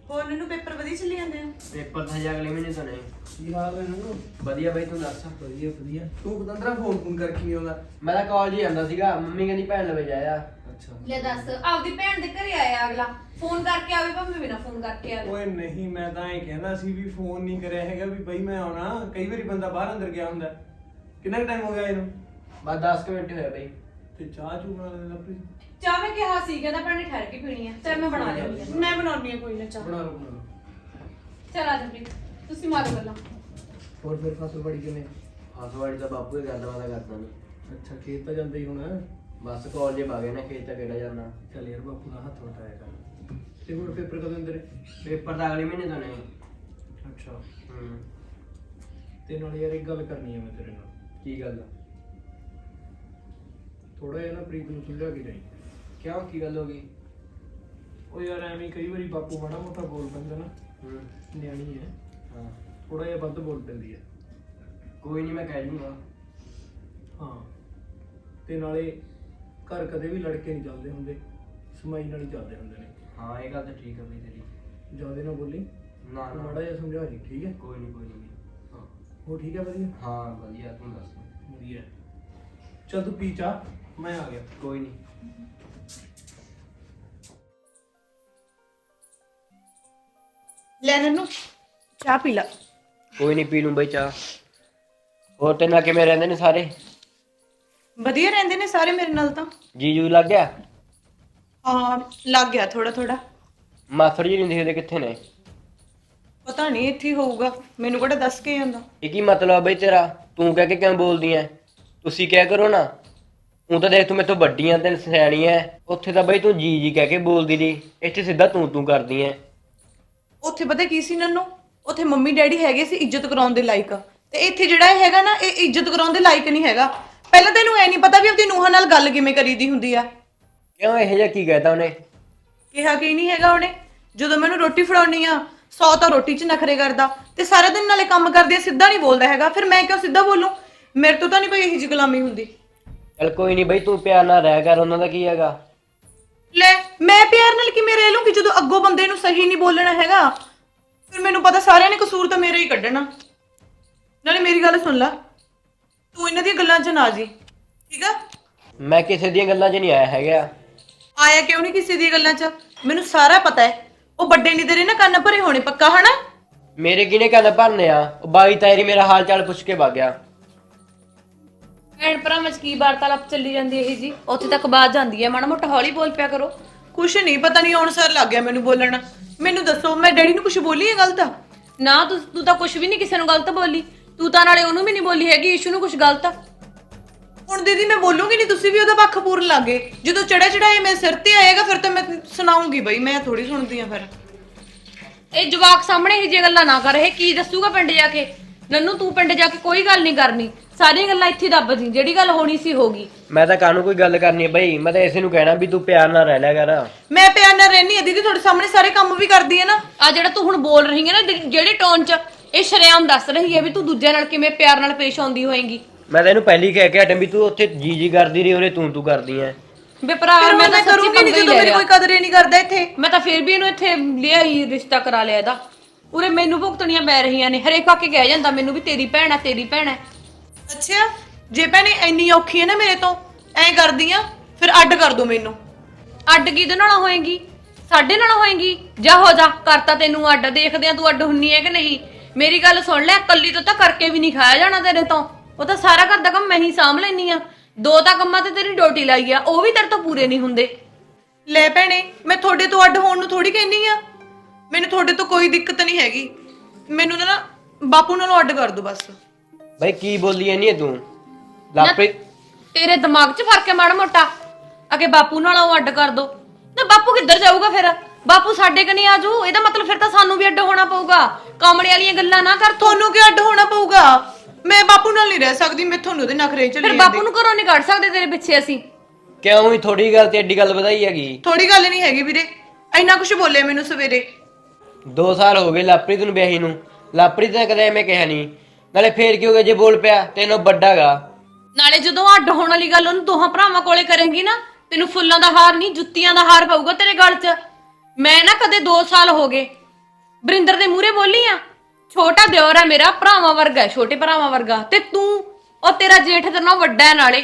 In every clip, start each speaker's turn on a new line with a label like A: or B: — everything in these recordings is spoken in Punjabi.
A: ਹੋਰ ਮੈਨੂੰ ਪੇਪਰ ਵਧੀਆ ਚੱਲੀ ਜਾਂਦੇ ਆ।
B: ਪੇਪਰ ਤਾਂ ਹਜੇ ਅਗਲੇ ਮਹੀਨੇ ਤੋਂ ਨੇ।
C: ਕੀ ਹਾਲ ਹੈ ਨੂੰ?
B: ਵਧੀਆ ਬਾਈ ਤੂੰ ਦੱਸ।
C: ਵਧੀਆ ਵਧੀਆ। ਤੂੰ ਪਤੰਦਰਾ ਫੋਨ ਕਰਕੇ ਨਹੀਂ ਆਉਂਦਾ?
B: ਮੈਂ ਤਾਂ ਕਾਲਜ ਹੀ ਜਾਂਦਾ ਸੀਗਾ, ਮੰਮੀ ਕਹਿੰਦੀ ਭੈਣ ਲਵੇ ਜਾਇਆ।
C: ਅੱਛਾ
D: ਲੈ ਦੱਸ, ਆਪਦੀ ਭੈਣ ਦੇ ਘਰੇ ਆਇਆ ਅਗਲਾ, ਫੋਨ ਕਰਕੇ ਆਵੇ ਭਾਵੇਂ ਬਿਨਾ ਫੋਨ ਕਰਕੇ ਆਵੇ।
C: ਓਏ ਨਹੀਂ, ਮੈਂ ਤਾਂ ਇਹ ਕਹਿੰਦਾ ਸੀ ਵੀ ਫੋਨ ਨਹੀਂ ਕਰਿਆ ਹੈਗਾ ਵੀ ਬਈ ਮੈਂ ਆਉਣਾ। ਕਈ ਵਾਰੀ ਬੰਦਾ ਬਾਹਰ ਅੰਦਰ ਗਿਆ ਹੁੰਦਾ। ਕਿੰਨਾ ਟਾਈਮ ਹੋ ਗਿਆ ਇਹਨੂੰ?
B: ਬਸ 10 ਮਿੰਟ ਹੋਇਆ ਬਾਈ।
C: ਤੇ ਚਾਹ ਚੂ ਬਣਾ ਲੈਂਦਾ ਪਲੀਜ਼।
D: ਚਾਹ ਮੈਂ ਕਿਹਾ ਸੀ, ਕਹਿੰਦਾ ਭੈਣੇ ਠਹਿਰ ਕੇ ਪੀਣੀ ਆ। ਚੱਲ ਮੈਂ ਬਣਾ ਲਿਆਉਂਦੀ ਆ।
A: ਮੈਂ ਬਣਾਉਣੀ ਆ ਕੋਈ ਨਾ ਚਾਹ।
C: ਬਣਾ ਲਓ।
D: ਚੱਲ ਆ ਜਾ ਪ੍ਰੀਤ, ਤੁਸੀਂ ਮਾਰੋ ਗੱਲਾਂ।
C: ਹੋਰ ਫਿਰ ਫਸਲ ਬੜੀ ਕਿਵੇਂ?
B: ਫਸਵਾੜੀ ਤਾਂ ਬਾਪੂ ਹੀ ਕਰਦਾ, ਮੈਂ ਤਾਂ ਕਰਦਾ ਨਹੀਂ।
C: ਅੱਛਾ ਖੇਤ ਤਾਂ ਜਾਂਦੇ ਹੀ ਹੁਣ।
B: ਬਸ ਕਾਲਜ ਹੀ ਬਾਗੇ ਨਾ, ਖੇਤ ਤਾਂ ਕਿਹੜਾ ਜਾਂਦਾ।
C: ਚੱਲ ਯਾਰ ਬਾਪੂ ਦਾ ਹੱਥ ਵਟਾਇਆ ਕਰ। ਤੇ ਹੁਣ ਪੇਪਰ ਕਦੋਂ ਅੰਦਰ?
B: ਪੇਪਰ ਤਾਂ ਅਗਲੇ ਮਹੀਨੇ ਤੋਂ ਨੇ।
C: ਅੱਛਾ
B: ਹੂੰ।
C: ਤੇ ਨਾਲ ਯਾਰ ਇੱਕ ਗੱਲ ਕਰਨੀ ਹੈ ਮੈਂ ਤੇਰੇ ਨਾਲ।
B: ਕੀ ਗੱਲ?
C: ਥੋੜਾ ਜਿਹਾ ਨਾ ਪ੍ਰੀਤ ਨੂੰ ਸਮਝਾ ਕੇ ਜਾਈਂ।
B: ਕਿਉਂ, ਕੀ ਗੱਲ ਹੋ ਗਈ?
C: ਉਹ ਯਾਰ ਐਵੇਂ ਕਈ ਵਾਰੀ ਬਾਪੂ ਮਾੜਾ ਮੋਟਾ ਬੋਲ ਪੈਂਦਾ ਨਾ।
B: ਹੂੰ।
C: ਨਿਆਣੀ ਹੈ,
B: ਹਾਂ
C: ਥੋੜਾ ਜਿਹਾ ਵੱਧ ਬੋਲ ਪੈਂਦੀ ਹੈ।
B: ਕੋਈ ਨਹੀਂ, ਮੈਂ ਕਹਿ ਦੂੰਗਾ।
C: ਹਾਂ ਤੇ ਨਾਲੇ ਘਰ ਕਦੇ ਵੀ ਲੜਕੇ ਨਹੀਂ ਚੱਲਦੇ ਹੁੰਦੇ, ਸਮਾਈ ਨਾਲ ਹੀ ਚੱਲਦੇ ਹੁੰਦੇ ਨੇ।
B: ਹਾਂ ਇਹ ਗੱਲ ਤਾਂ ਠੀਕ ਹੈ ਬਈ ਤੇਰੀ।
C: ਜ਼ਿਆਦਾ ਨਾ ਬੋਲੀ,
B: ਨਾ
C: ਤੂੰ
B: ਨਾ
C: ਮਾੜਾ ਜਿਹਾ ਸਮਝਾ ਜੀ, ਠੀਕ ਹੈ?
B: ਕੋਈ ਨਹੀਂ, ਕੋਈ ਨਹੀਂ।
C: ਹਾਂ ਉਹ ਠੀਕ ਹੈ? ਵਧੀਆ
B: ਹਾਂ ਵਧੀਆ, ਤੂੰ ਦੱਸ।
C: ਵਧੀਆ। ਚੱਲ ਤੂੰ ਪੀ ਚਾਹ, ਮੈਂ ਆ ਗਿਆ।
B: ਕੋਈ ਨਹੀਂ।
A: ਲੈ ਨੰਨੂ ਚਾਹ ਪੀ ਲਾ।
B: ਕੋਈ ਨਹੀਂ, ਪੀ ਲੂੰ ਬਈ ਚਾਹ। ਹੋਰ ਤੇ ਨਾਲ ਕਿਵੇਂ ਰਹਿੰਦੇ ਨੇ ਸਾਰੇ?
A: ਵਧੀਆ ਰਹਿੰਦੇ ਨੇ ਸਾਰੇ ਮੇਰੇ ਨਾਲ ਤਾਂ।
B: ਜੀਜੂ ਲੱਗ ਗਿਆ?
A: ਹਾਂ ਲੱਗ ਗਿਆ ਥੋੜਾ ਥੋੜਾ।
B: ਮਾਸੜ ਜੀ ਨਹੀਂ ਦਿਖਦੇ, ਕਿੱਥੇ ਨੇ?
A: ਪਤਾ ਨਹੀਂ ਇੱਥੇ ਹੀ ਹੋਊਗਾ, ਮੈਨੂੰ ਕਿਹੜਾ ਦੱਸ ਕੇ ਜਾਂਦਾ।
B: ਇਹ ਕੀ ਮਤਲਬ ਬਈ ਤੇਰਾ? ਤੂੰ ਕਹਿ ਕੇ ਕਿਉਂ ਬੋਲਦੀ ਐ? ਤੁਸੀਂ ਕਿਆ ਕਰੋ ਨਾ। ਤੂੰ ਤਾਂ ਦੇਖ, ਤੂੰ ਮੇਰੇ ਤੋਂ ਵੱਡੀ ਐ ਤੇ ਸਿਆਣੀ ਐ। ਉੱਥੇ ਤਾਂ ਬਈ ਤੂੰ ਜੀ ਜੀ ਕਹਿ ਕੇ ਬੋਲਦੀ ਰਹੀ, ਇੱਥੇ ਸਿੱਧਾ ਤੂੰ ਕਰਦੀ ਐ।
A: ਉੱਥੇ ਪਤਾ ਕੀ ਸੀ ਨੰਨੂ, ਉੱਥੇ ਮੰਮੀ ਡੈਡੀ ਹੈਗੇ ਸੀ ਇੱਜ਼ਤ ਕਰਾਉਣ ਦੇ ਲਾਇਕ, ਤੇ ਇੱਥੇ ਜਿਹੜਾ ਇਹ ਹੈਗਾ ਨਾ, ਇਹ ਇੱਜ਼ਤ ਕਰਾਉਣ ਦੇ ਲਾਇਕ ਨਹੀਂ ਹੈਗਾ। ਪਹਿਲਾਂ ਤੈਨੂੰ ਐ ਨਹੀਂ ਪਤਾ ਵੀ ਆਪਣੀ ਨੂੰਹਾਂ ਨਾਲ ਗੱਲ ਕਿਵੇਂ ਕਰੀਦੀ ਹੁੰਦੀ ਆ।
B: ਕਿਉਂ, ਇਹੋ ਜਿਹਾ ਕੀ ਕਹਿਤਾ ਉਹਨੇ?
A: ਕਿਹਾ ਕੀ ਨਹੀਂ ਹੈਗਾ ਉਹਨੇ। ਜਦੋਂ ਮੈਨੂੰ ਰੋਟੀ ਫੜਾਉਣੀ ਆ, 100 ਤਾਂ ਰੋਟੀ 'ਚ ਨਖਰੇ ਕਰਦਾ, ਤੇ ਸਾਰਾ ਦਿਨ ਨਾਲੇ ਕੰਮ ਕਰਦੇ ਸਿੱਧਾ ਨਹੀਂ ਬੋਲਦਾ ਹੈਗਾ। ਫਿਰ ਮੈਂ ਕਿਉਂ ਸਿੱਧਾ ਬੋਲੂੰ? ਮੇਰੇ ਤੋਂ ਤਾਂ ਨਹੀਂ ਕੋਈ ਇਹੋ ਜਿਹੀ ਗੁਲਾਮੀ ਹੁੰਦੀ।
B: ਚੱਲ ਕੋਈ ਨਹੀਂ ਬਈ, ਤੂੰ ਪਿਆਰ ਨਾਲ ਰਹਿ ਕਰ, ਉਹਨਾਂ ਦਾ ਕੀ ਹੈਗਾ।
A: ਲੈ ਮੈਂ ਪਿਆਰ ਨਾਲ ਕਿਵੇਂ ਰਹਿ ਲੂੰਗੀ ਜਦੋਂ ਅੱਗੋਂ ਬੰਦੇ ਨੂੰ ਸਹੀ ਨਹੀਂ ਬੋਲਣਾ ਹੈਗਾ? ਫਿਰ ਮੈਨੂੰ ਪਤਾ ਸਾਰਿਆਂ ਨੇ ਕਸੂਰ ਤਾਂ ਮੇਰਾ ਹੀ ਕੱਢਣਾ। ਨਾਲੇ ਮੇਰੀ ਗੱਲ ਸੁਣ ਲੈ, ਤੂੰ ਇਹਨਾਂ ਦੀਆਂ ਗੱਲਾਂ 'ਚ ਨਾ ਜੀ, ਠੀਕ ਆ?
B: ਮੈਂ ਕਿਸੇ ਦੀਆਂ ਗੱਲਾਂ 'ਚ ਨਹੀਂ ਆਇਆ ਹੈਗਾ।
A: ਆਇਆ ਕਿਉਂ ਨਹੀਂ ਕਿਸੇ ਦੀਆਂ ਗੱਲਾਂ 'ਚ? ਮੈਨੂੰ ਸਾਰਾ ਪਤਾ ਹੈ। ਉਹ ਵੱਡੇ ਨਹੀਂ ਤੇਰੇ ਨਾ ਕੰਨ ਭਰੇ ਹੋਣੇ ਪੱਕਾ, ਹਨਾ?
B: ਮੇਰੇ ਕਿਹਨੇ ਕੰਨ ਭਰਨੇ ਆ? ਉਹ ਬਾਈ ਤਾਇਰੀ ਮੇਰਾ ਹਾਲ ਚਾਲ ਪੁੱਛ ਕੇ ਵਗ ਗਿਆ।
D: ਭੈਣ ਭਰਾਵਾਂ ਚ ਕੀ ਵਾਰਤਾਲਾਪ ਚੱਲੀ ਜਾਂਦੀ ਇਹ ਜੀ? ਉੱਥੇ ਤੱਕ ਬਾਤ ਜਾਂਦੀ ਹੈ, ਮਾੜਾ ਮੋਟਾ ਹੌਲੀ ਬੋਲ ਪਿਆ ਕਰੋ।
A: ਕੁਛ ਨਹੀਂ, ਪਤਾ ਨਹੀਂ ਆਉਣ ਸਾਰ ਲੱਗ ਗਿਆ ਮੈਨੂੰ ਬੋਲਣਾ। ਮੈਨੂੰ ਦੱਸੋ, ਮੈਂ ਡੈਡੀ ਨੂੰ ਕੁਛ ਬੋਲੀ ਹੈ ਗਲਤ?
D: ਨਾ ਤੂੰ ਤਾਂ ਕੁਝ ਵੀ ਨਹੀਂ ਕਿਸੇ ਨੂੰ ਗਲਤ ਬੋਲੀ। ਤੂੰ ਤਾਂ ਨਾਲੇ ਉਹਨੂੰ ਵੀ ਨਹੀਂ ਬੋਲੀ ਹੈਗੀ, ਇਸ਼ੂ ਨੂੰ ਕੁਝ ਗਲਤ।
A: ਹੁਣ ਦੀਦੀ ਮੈਂ ਬੋਲੂੰਗੀ ਨਹੀਂ, ਤੁਸੀਂ ਵੀ ਉਹਦਾ ਪੱਖ ਪੂਰਨ ਲੱਗੇ। ਜਦੋਂ ਚੜਿਆ ਮੇਰੇ ਸਿਰ ਤੇ ਆਏਗਾ ਫਿਰ ਤਾਂ ਮੈਂ ਸੁਣਾਉਂਗੀ ਬਈ, ਮੈਂ ਥੋੜੀ ਸੁਣਦੀ ਆ। ਫਿਰ
D: ਇਹ ਜਵਾਕ ਸਾਹਮਣੇ ਇਹ ਜੇ ਗੱਲਾਂ ਨਾ ਕਰ। ਇਹ ਕੀ ਦੱਸੂਗਾ ਪਿੰਡ ਜਾ ਕੇ? ਨੰਨੂ ਤੂੰ ਪਿੰਡ ਜਾ ਕੇ ਕੋਈ ਗੱਲ ਨਹੀਂ ਕਰਨੀ, ਸਾਰੀਆਂ ਗੱਲਾਂ ਇੱਥੇ ਦੱਬ ਦੀ। ਜਿਹੜੀ ਗੱਲ ਹੋਣੀ ਸੀ ਹੋ ਗਈ।
B: ਮੈਂ ਤਾਂ ਕਾਹਨੂੰ ਕੋਈ ਗੱਲ ਕਰਨੀ ਹੈ ਬਈ, ਮੈਂ ਤਾਂ ਇਸੇ ਨੂੰ ਕਹਿਣਾ ਵੀ ਤੂੰ ਪਿਆਰ ਨਾਲ ਰਹਿ ਲਿਆ ਕਰ।
A: ਮੈਂ ਪਿਆਰ ਨਾਲ ਰਹਿਣੀ ਆ ਦੀਦੀ, ਤੁਹਾਡੇ ਸਾਹਮਣੇ ਸਾਰੇ ਕੰਮ ਵੀ ਕਰਦੀ ਹੈ ਨਾ।
D: ਆ ਜਿਹੜਾ ਤੂੰ ਹੁਣ ਬੋਲ ਰਹੀ ਹੈ ਨਾ, ਜਿਹੜੇ ਟੋਨ ਚ, ਇਹ ਸ਼ਰੇਆਮ ਦੱਸ ਰਹੀ ਹੈ ਵੀ ਤੂੰ ਦੂਜਿਆਂ ਨਾਲ ਕਿਵੇਂ ਪਿਆਰ ਨਾਲ ਪੇਸ਼ ਆਉਂਦੀ ਹੋਏਗੀ।
B: ਮੈਂ ਤਾਂ ਇਹਨੂੰ ਪਹਿਲੀ ਕਹਿ ਕੇ ਹਟਾਂ ਵੀ ਤੂੰ ਉੱਥੇ ਜੀ ਕਰਦੀ ਰਹੀ, ਉਰੇ ਤੂੰ ਕਰਦੀ ਐ।
D: ਬੇ ਭਰਾ
A: ਫਿਰ
D: ਮੈਂ ਤਾਂ
A: ਕਰੂੰਗੀ
D: ਸੱਚੀ
A: ਨਹੀਂ
D: ਪੰਗਾ ਹੀ
A: ਜਦੋਂ
D: ਲੈ
A: ਮੇਰੀ
D: ਲਿਆ।
A: ਕੋਈ ਕਦਰ ਹੀ ਨਹੀਂ ਕਰਦਾ ਇੱਥੇ।
D: ਮੈਂ ਤਾਂ ਫਿਰ ਵੀ ਇਹਨੂੰ ਇੱਥੇ ਲਿਆ ਹੀ, ਰਿਸ਼ਤਾ ਕਰਾ ਲਿਆ ਇਹਦਾ। ਉਰੇ ਮੈਨੂੰ ਭੁਗਤਣੀਆਂ ਪੈ ਰਹੀਆਂ ਨੇ। ਹਰੇਕ ਆ ਕੇ ਕਹਿ ਜਾਂਦਾ ਮੈਨੂੰ ਵੀ ਤੇਰੀ ਭੈਣ ਆ, ਤੇਰੀ ਭੈਣ ਹੈ।
A: ਅੱਛਾ, ਜੇ ਭੈਣੇ ਇੰਨੀ ਔਖੀ ਹੈ ਨਾ ਮੇਰੇ ਤੋਂ, ਐਂ ਕਰਦੀ ਆ ਫਿਰ ਅੱਡ ਕਰ ਦੋ ਮੈਨੂੰ।
D: ਅੱਡ ਕਿਹਦੇ ਨਾਲ ਹੋਏਗੀ? ਸਾਡੇ ਨਾਲ ਹੋਏਗੀ? ਜਾ ਹੋ ਜਾ, ਕਰਤਾ ਤੈਨੂੰ ਅੱਡ। ਦੇਖਦੇ ਆ ਤੂੰ ਅੱਡ ਹੁੰਨੀ ਹੈ ਕਿ ਨਹੀਂ। ਮੇਰੀ ਗੱਲ ਸੁਣ ਲੈ, ਕੱਲੀ ਤੋਂ ਤਾਂ ਕਰਕੇ ਵੀ ਨਹੀਂ ਖਾਇਆ ਜਾਣਾ ਤੇਰੇ ਤੋਂ। ਉਹ ਤਾਂ ਸਾਰਾ ਘਰ ਦਾ ਕੰਮ ਮੈਂ ਹੀ ਸਾਂਭ ਲੈਣੀ ਆ। 2 ਤਾਂ ਕੰਮਾਂ ਤੇ ਤੇਰੀ ਡਿਊਟੀ ਲਾਈ ਆ, ਉਹ ਵੀ ਤੇਰੇ ਤੋਂ ਪੂਰੇ ਨਹੀਂ ਹੁੰਦੇ।
A: ਲੈ ਭੈਣੇ, ਮੈਂ ਤੁਹਾਡੇ ਤੋਂ ਅੱਡ ਹੋਣ ਨੂੰ ਥੋੜੀ ਕਹਿੰਨੀ ਆ। ਮੈਨੂੰ ਤੁਹਾਡੇ ਤੋਂ ਕੋਈ ਦਿੱਕਤ ਨਹੀਂ ਹੈਗੀ। ਮੈਨੂੰ ਨਾ ਬਾਪੂ ਨਾਲੋਂ ਅੱਡ ਕਰ ਦੋ ਬਸ।
B: ਬਈ ਕੀ ਬੋਲੀ ਐ ਨਹੀਂ ਤੂੰ? ਲਾਪਰੀ
D: ਤੇਰੇ ਦਿਮਾਗ 'ਚ ਫਰਕ ਹੈ ਮਾੜਾ ਮੋਟਾ? ਅਗੇ ਬਾਪੂ ਨਾਲੋਂ ਅੱਡ ਕਰ ਦੋ ਨਾ। ਬਾਪੂ ਕਿੱਧਰ ਜਾਊਗਾ ਫਿਰ? ਬਾਪੂ ਸਾਡੇ ਕਨੀ ਆਜੂ, ਇਹਦਾ ਮਤਲਬ ਫਿਰ ਤਾਂ ਸਾਨੂੰ ਵੀ ਅੱਡ ਹੋਣਾ ਪਊਗਾ। ਕਾਮੜੇ ਵਾਲੀਆਂ ਗੱਲਾਂ ਨਾ ਕਰ।
A: ਤੁਹਾਨੂੰ ਕਿਉਂ ਅੱਡ ਹੋਣਾ ਪਊਗਾ? ਮੈਂ ਬਾਪੂ ਨਾਲ ਨਹੀਂ ਰਹਿ ਸਕਦੀ, ਮੈਥੋਂ ਉਹਦੇ ਨਖਰੇ ਚੱਲੀ
D: ਫਿਰ ਬਾਪੂ ਨੂੰ ਘਰੋਂ ਨਹੀਂ ਕੱਢ ਸਕਦੇ ਤੇਰੇ ਪਿੱਛੇ ਅਸੀਂ?
B: ਕਿਉਂ ਹੀ ਥੋੜੀ ਗੱਲ ਤੇ ਐਡੀ ਗੱਲ ਵਧਾਈ ਹੈਗੀ?
A: ਥੋੜੀ ਗੱਲ ਨਹੀਂ ਹੈਗੀ ਵੀਰੇ, ਇੰਨਾ ਕੁਝ ਬੋਲੇ ਮੈਨੂੰ ਸਵੇਰੇ।
B: 2 ਸਾਲ ਹੋ ਗਏ ਲਾਪਰੀ ਨੂੰ ਵਿਆਹੀ ਨੂੰ। ਲਾਪਰੀ ਤਾਂ ਕਦੇ ਐਵੇਂ ਕਿਹਾ ਨਹੀਂ। ਨਾਲੇ ਫੇਰ ਕੀ ਹੋ ਗਿਆ ਜੇ ਬੋਲ ਪਿਆ? ਤੈਨੂੰ ਵੱਡਾਗਾ।
D: ਨਾਲੇ ਜਦੋਂ ਅੱਡ ਹੋਣ ਵਾਲੀ ਗੱਲ ਉਹਨੂੰ ਦੋਹਾਂ ਭਰਾਵਾਂ ਕੋਲੇ ਕਰੇਂਗੀ ਨਾ, ਤੈਨੂੰ ਫੁੱਲਾਂ ਦਾ ਹਾਰ ਨਹੀਂ ਜੁੱਤੀਆਂ ਦਾ ਹਾਰ ਪਊਗਾ ਤੇਰੇ ਗਲ 'ਚ। ਮੈਂ ਨਾ ਕਦੇ 2 ਸਾਲ ਹੋ ਗਏ ਬਰਿੰਦਰ ਦੇ ਮੂਹਰੇ ਬੋਲੀ ਆ? ਛੋਟਾ ਦਿਓਰ ਆ ਮੇਰਾ, ਭਰਾਵਾਂ ਵਰਗਾ ਹੈ, ਛੋਟੇ ਭਰਾਵਾਂ ਵਰਗਾ। ਤੇ ਤੂੰ ਉਹ ਤੇਰਾ ਜੇਠ ਤੇਰੇ ਨਾਲ ਵੱਡਾ ਹੈ ਨਾਲੇ।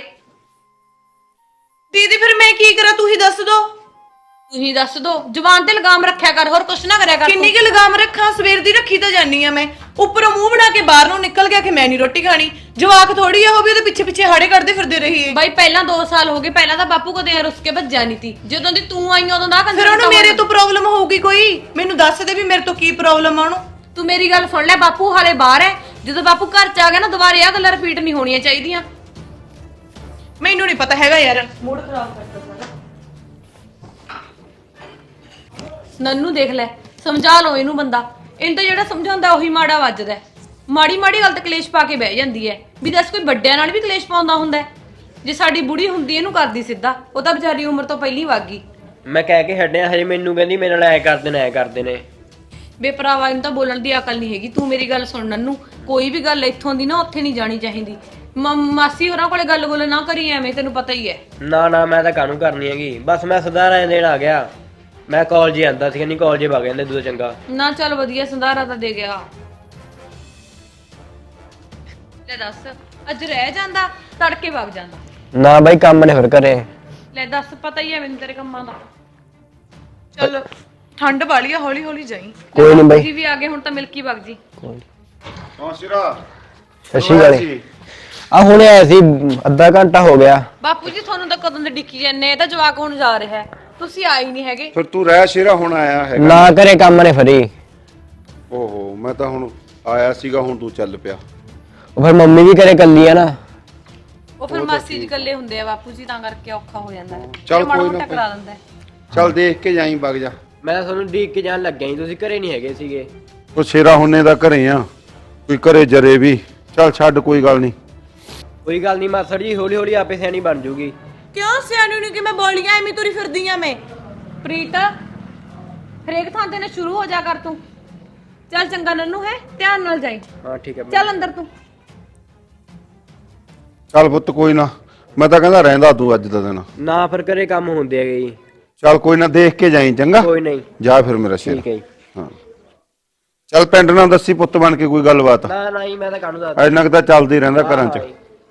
A: ਦੀਦੀ ਫਿਰ ਮੈਂ ਕੀ ਕਰਾਂ, ਤੂੰ ਹੀ ਦੱਸ ਦੋ।
D: ਤੁਸੀਂ ਦੱਸ ਦੋ, ਜ਼ੁਬਾਨ ਤੇ ਲਗਾਮ ਰੱਖਿਆ ਕਰ, ਹੋਰ ਕੁਛ ਨਾ ਕਰਿਆ ਕਰ।
A: ਕਿੰਨੀ ਕੁ ਲਗਾਮ ਰੱਖਾਂ, ਸਵੇਰ ਦੀ ਰੱਖੀ ਤਾਂ ਜਾਨੀ ਆ ਮੈਂ। ਉੱਪਰੋਂ ਮੂੰਹ ਬਣਾ ਕੇ ਬਾਹਰ ਨੂੰ ਨਿਕਲ ਗਿਆ ਕਿ ਮੈਂ ਨਹੀਂ ਰੋਟੀ ਖਾਣੀ। ਜਵਾਕ ਥੋੜੀ ਆ ਉਹ ਵੀ ਉਹਦੇ ਪਿੱਛੇ ਪਿੱਛੇ ਹਾੜੇ ਕਰਦੇ ਫਿਰਦੇ ਰਹੀਏ।
D: ਬਾਈ ਪਹਿਲਾਂ 2 ਸਾਲ ਹੋ ਗਏ, ਪਹਿਲਾਂ ਤਾਂ ਬਾਪੂ ਕਦੇ ਰੁੱਸ ਕੇ ਭੱਜਿਆ ਨਹੀਂ ਤੀ। ਜਦੋਂ ਦੀ ਤੂੰ ਆਈ ਉਦੋਂ ਦਾ
A: ਫਿਰ ਉਹਨੂੰ ਮੇਰੇ ਤੋਂ ਪ੍ਰੋਬਲਮ ਹੋਊਗੀ ਕੋਈ? ਮੈਨੂੰ ਦੱਸ ਦੇ ਵੀ ਮੇਰੇ ਤੋਂ ਕੀ ਪ੍ਰੋਬਲਮ ਆ ਉਹਨੂੰ।
D: ਤੂੰ ਮੇਰੀ ਗੱਲ ਸੁਣ ਲੈ, ਬਾਪੂ ਹਾਲੇ ਬਾਹਰ ਹੈ। ਜਦੋਂ ਬਾਪੂ ਘਰ ਚ ਆ ਗਿਆ ਨਾ, ਦੁਬਾਰੇ ਆ ਗੱਲਾਂ ਰਿਪੀਟ ਨਹੀਂ ਹੋਣੀਆਂ ਚਾਹੀਦੀਆਂ।
A: ਮੈਨੂੰ ਨਹੀਂ ਪਤਾ ਹੈਗਾ ਯਾਰ, ਮੂਡ ਖਰਾਬ ਕਰਦਾ ਸਾਰਾ।
D: ਨੰਨੂ ਦੇਖ ਲੈ, ਸਮਝਾ ਲਓ ਇਹਨੂੰ ਬੰਦਾ। ਇਹਨੂੰ ਤਾਂ ਜਿਹੜਾ ਸਮਝਾਉਂਦਾ ਉਹੀ ਮਾੜਾ ਵੱਜਦਾ। ਮਾੜੀ ਮਾੜੀ ਗੱਲ ਤੇ ਕਲੇਸ਼ ਪਾ ਕੇ ਬਹਿ ਜਾਂਦੀ ਹੈ। ਵੀ ਦੱਸ ਕੋਈ ਵੱਡਿਆਂ ਨਾਲ ਵੀ ਕਲੇਸ਼ ਪਾਉਂਦਾ ਹੁੰਦਾ ਹੈ? ਜੇ ਸਾਡੀ ਬੁੜੀ ਹੁੰਦੀ ਇਹਨੂੰ ਕਰਦੀ ਸਿੱਧਾ, ਉਹ ਤਾਂ ਵਿਚਾਰੀ ਉਮਰ ਤੋਂ ਪਹਿਲੀ ਵਗ ਗਈ।
B: ਮੈਂ ਕਹਿ ਕੇ ਹਟਿਆ, ਹਜੇ ਮੈਨੂੰ ਕਹਿੰਦੀ ਮੇਰੇ ਨਾਲ ਐ ਕਰਦੇ ਨੇ।
D: ਬੇਪਰਾਵਾ, ਇਹਨੂੰ ਤਾਂ ਬੋਲਣ ਦੀ ਅਕਲ ਨਹੀਂ ਹੈਗੀ। ਤੂੰ ਮੇਰੀ ਗੱਲ ਸੁਣ ਨੰਨੂ, ਕੋਈ ਵੀ ਗੱਲ ਇੱਥੋਂ ਦੀ ਨਾ ਉੱਥੇ ਨਹੀਂ ਜਾਣੀ ਚਾਹੀਦੀ। ਮਾਸੀ ਹੋਰਾਂ ਕੋਲੇ ਗੱਲ ਨਾ ਕਰੀ ਐਵੇਂ, ਤੈਨੂੰ ਪਤਾ ਹੀ ਹੈ।
B: ਨਾ ਮੈਂ ਤਾਂ ਕਾਹਨੂੰ ਕਰਨੀ ਹੈਗੀ, ਬਸ ਮੈਂ ਸੁਧਾਰਾਂ ਦੇਣ ਆ ਗਿਆ। ਮੈਂ ਕਾਲਜ ਹੀ ਆਂਦਾ ਸੀ, ਨਹੀਂ ਕਾਲਜ ਵਗ ਜਾਂਦੇ ਦੂਜਾ ਚੰਗਾ
D: ਨਾ। ਚੱਲ ਵਧੀਆ, ਸੰਧਾਰਾ ਤਾਂ ਦੇ ਗਿਆ। ਲੈ ਦੱਸ, ਅੱਜ ਰਹਿ ਜਾਂਦਾ, ਤੜਕੇ ਵਗ ਜਾਂਦਾ।
B: ਨਾ ਬਾਈ ਕੰਮ ਨੇ ਫਿਰ ਘਰੇ।
D: ਲੈ ਦੱਸ, ਪਤਾ ਹੀ ਹੈ ਮੈਨੂੰ ਤੇਰੇ ਕੰਮਾਂ ਦਾ।
A: ਚੱਲ ਠੰਡ ਵਾਲੀ ਆ, ਹੌਲੀ ਹੌਲੀ ਜਾਈ।
B: ਕੋਈ ਨਹੀਂ ਬਾਈ,
D: ਜੀ ਵੀ ਆ ਗਏ ਹੁਣ ਤਾਂ ਮਿਲਕੀ ਵਗ ਜੀ।
E: ਹਾਂ ਸਿਰਾ
B: ਸੱਚੀ ਗੱਲ ਆ। ਹੁਣੇ ਆਇਆ ਸੀ, ਅੱਧਾ ਘੰਟਾ ਹੋ ਗਿਆ।
D: ਬਾਪੂ ਜੀ ਤੁਹਾਨੂੰ ਤਾਂ ਕਦੋਂ ਦੇ ਡਿੱਕੀ ਜਾਂਦੇ, ਇਹ ਤਾਂ ਜਵਾਕ ਹੁਣ ਜਾ ਰਿਹਾ ਹੈ, ਤੁਸੀਂ ਆਏ ਨਹੀਂ ਹੈਗੇ।
E: ਫਿਰ ਤੂੰ ਰਹਿ ਸ਼ੇਰਾ ਹੁਣ ਆਇਆ ਹੈਗਾ।
B: ਨਾ ਘਰੇ ਕੰਮ ਨੇ ਫਰੀ।
E: ਓਹੋ ਮੈਂ ਤਾਂ ਹੁਣ ਆਇਆ ਸੀਗਾ, ਹੁਣ ਤੂੰ ਚੱਲ ਪਿਆ।
B: ਉਹ ਫਿਰ ਮੰਮੀ ਵੀ ਘਰੇ ਕੱਲੀ ਆ ਨਾ।
D: ਉਹ ਫਿਰ ਮਾਸੀ ਜੀ ਇਕੱਲੇ ਹੁੰਦੇ ਆ ਬਾਪੂ ਜੀ, ਤਾਂ ਕਰਕੇ ਔਖਾ ਹੋ ਜਾਂਦਾ ਹੈ।
E: ਚੱਲ
D: ਮਾੜਾ
E: ਕੋਈ
D: ਮੋਟਾ
E: ਨਾ
D: ਕਰਾ ਦਿੰਦਾ ਹੈ।
E: ਚੱਲ ਦੇਖ ਕੇ ਜਾਈਂ, ਵਗ ਜਾ।
B: ਮੈਂ ਤਾਂ ਤੁਹਾਨੂੰ ਡੀਕ ਕੇ ਜਾਣ ਲੱਗਿਆ ਸੀ, ਤੁਸੀਂ ਘਰੇ ਨਹੀਂ ਹੈਗੇ ਸੀਗੇ।
E: ਉਹ ਸ਼ੇਰਾ ਹੁੰਨੇ ਦਾ ਘਰੇ ਆ, ਕੋਈ ਘਰੇ ਜਰੇ ਵੀ। ਚੱਲ ਛੱਡ, ਕੋਈ ਗੱਲ ਨਹੀਂ।
B: ਕੋਈ ਗੱਲ ਨਹੀਂ ਮਾਸੜ ਜੀ, ਹੌਲੀ ਹੌਲੀ ਆਪੇ ਸਿਆਣੀ ਬਣ ਜੂਗੀ।
A: ਕਿਉਂ ਸਿਆਣੀ ਨੂੰ ਕਿ ਮੈਂ ਬੋਲੀਆਂ ਐਵੇਂ ਤੁਰੀ ਫਿਰਦੀ ਆ ਮੈਂ?
D: ਪ੍ਰੀਤ, ਹਰੇਕ ਥਾਂ ਤੇ ਨਾ ਸ਼ੁਰੂ ਹੋ ਜਾ ਕਰ ਤੂੰ। ਚੱਲ ਚੰਗਾ ਨੰਨੂ, ਹੈ ਧਿਆਨ ਨਾਲ ਜਾਈ।
B: ਹਾਂ ਠੀਕ ਹੈ।
D: ਚੱਲ ਅੰਦਰ ਤੂੰ।
E: ਚੱਲ ਪੁੱਤ ਕੋਈ ਨਾ, ਮੈਂ ਤਾਂ ਕਹਿੰਦਾ ਰਹਿੰਦਾ ਤੂੰ ਅੱਜ ਦਾ ਦਿਨ।
B: ਨਾ ਫਿਰ ਘਰੇ ਕੰਮ ਹੁੰਦੇ ਹੈਗੇ ਜੀ।
E: ਚੱਲ ਕੋਈ ਨਾ, ਦੇਖ ਕੇ ਜਾਈਂ ਚੰਗਾ।
B: ਕੋਈ ਨਹੀਂ,
E: ਜਾ ਫਿਰ ਮੇਰਾ ਸ਼ੇਰ।
B: ਠੀਕ ਹੈ ਜੀ।
E: ਹਾਂ ਚੱਲ ਪਿੰਡ ਨਾਲ ਦੱਸੀ ਪੁੱਤ ਬਣ ਕੇ ਕੋਈ ਗੱਲਬਾਤ।
B: ਨਾ ਜੀ, ਮੈਂ ਤਾਂ ਕਾਹਨੂੰ ਦੱਸਦਾ।
E: ਇੰਨਾ ਕੁ ਤਾਂ ਚੱਲਦਾ ਹੀ ਰਹਿੰਦਾ ਘਰਾਂ 'ਚ।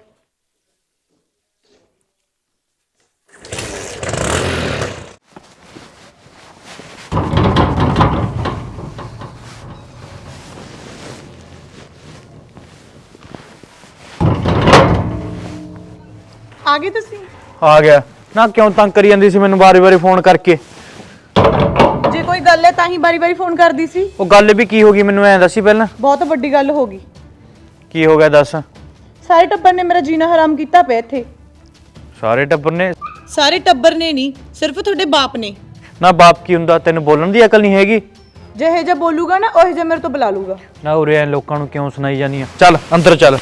A: ਆ ਗਏ ਤੁਸੀਂ?
C: ਆ ਗਿਆ ਨਾ, ਕਿਉਂ ਤੰਗ ਕਰੀ ਜਾਂਦੀ ਸੀ ਮੈਨੂੰ ਵਾਰੀ-ਵਾਰੀ ਫੋਨ ਕਰਕੇ?
A: ਜੇ ਕੋਈ ਗੱਲ ਹੈ ਤਾਂ ਹੀ ਬਾਰੀ-ਬਾਰੀ ਫੋਨ ਕਰਦੀ ਸੀ।
C: ਉਹ ਗੱਲ ਵੀ ਕੀ ਹੋ ਗਈ ਮੈਨੂੰ ਐਂ ਦੱਸੀ ਪਹਿਲਾਂ।
A: ਬਹੁਤ ਵੱਡੀ ਗੱਲ ਹੋ ਗਈ।
C: ਕੀ ਹੋ ਗਿਆ ਦੱਸ।
A: ਸਾਰੇ ਟੱਬਰ ਨੇ ਮੇਰਾ ਜੀਣਾ ਹਰਾਮ ਕੀਤਾ ਪਿਆ ਇੱਥੇ।
C: ਸਾਰੇ ਟੱਬਰ ਨੇ?
A: ਸਾਰੇ ਟੱਬਰ ਨੇ ਨਹੀਂ, ਸਿਰਫ ਤੁਹਾਡੇ ਬਾਪ ਨੇ।
C: ਨਾ ਬਾਪ ਕੀ ਹੁੰਦਾ, ਤੈਨੂੰ ਬੋਲਣ ਦੀ ਅਕਲ ਨਹੀਂ ਹੈਗੀ?
A: ਜਿਹੇ ਜਿਹਾ ਬੋਲੂਗਾ ਨਾ ਉਹੇ ਜਿਹਾ ਮੇਰੇ ਤੋਂ ਬੁਲਾ ਲੂਗਾ।
C: ਨਾ ਉਰੇ ਐ ਲੋਕਾਂ ਨੂੰ ਕਿਉਂ ਸੁਣਾਈ ਜਾਂਦੀ ਆ? ਚੱਲ ਅੰਦਰ ਚੱਲ।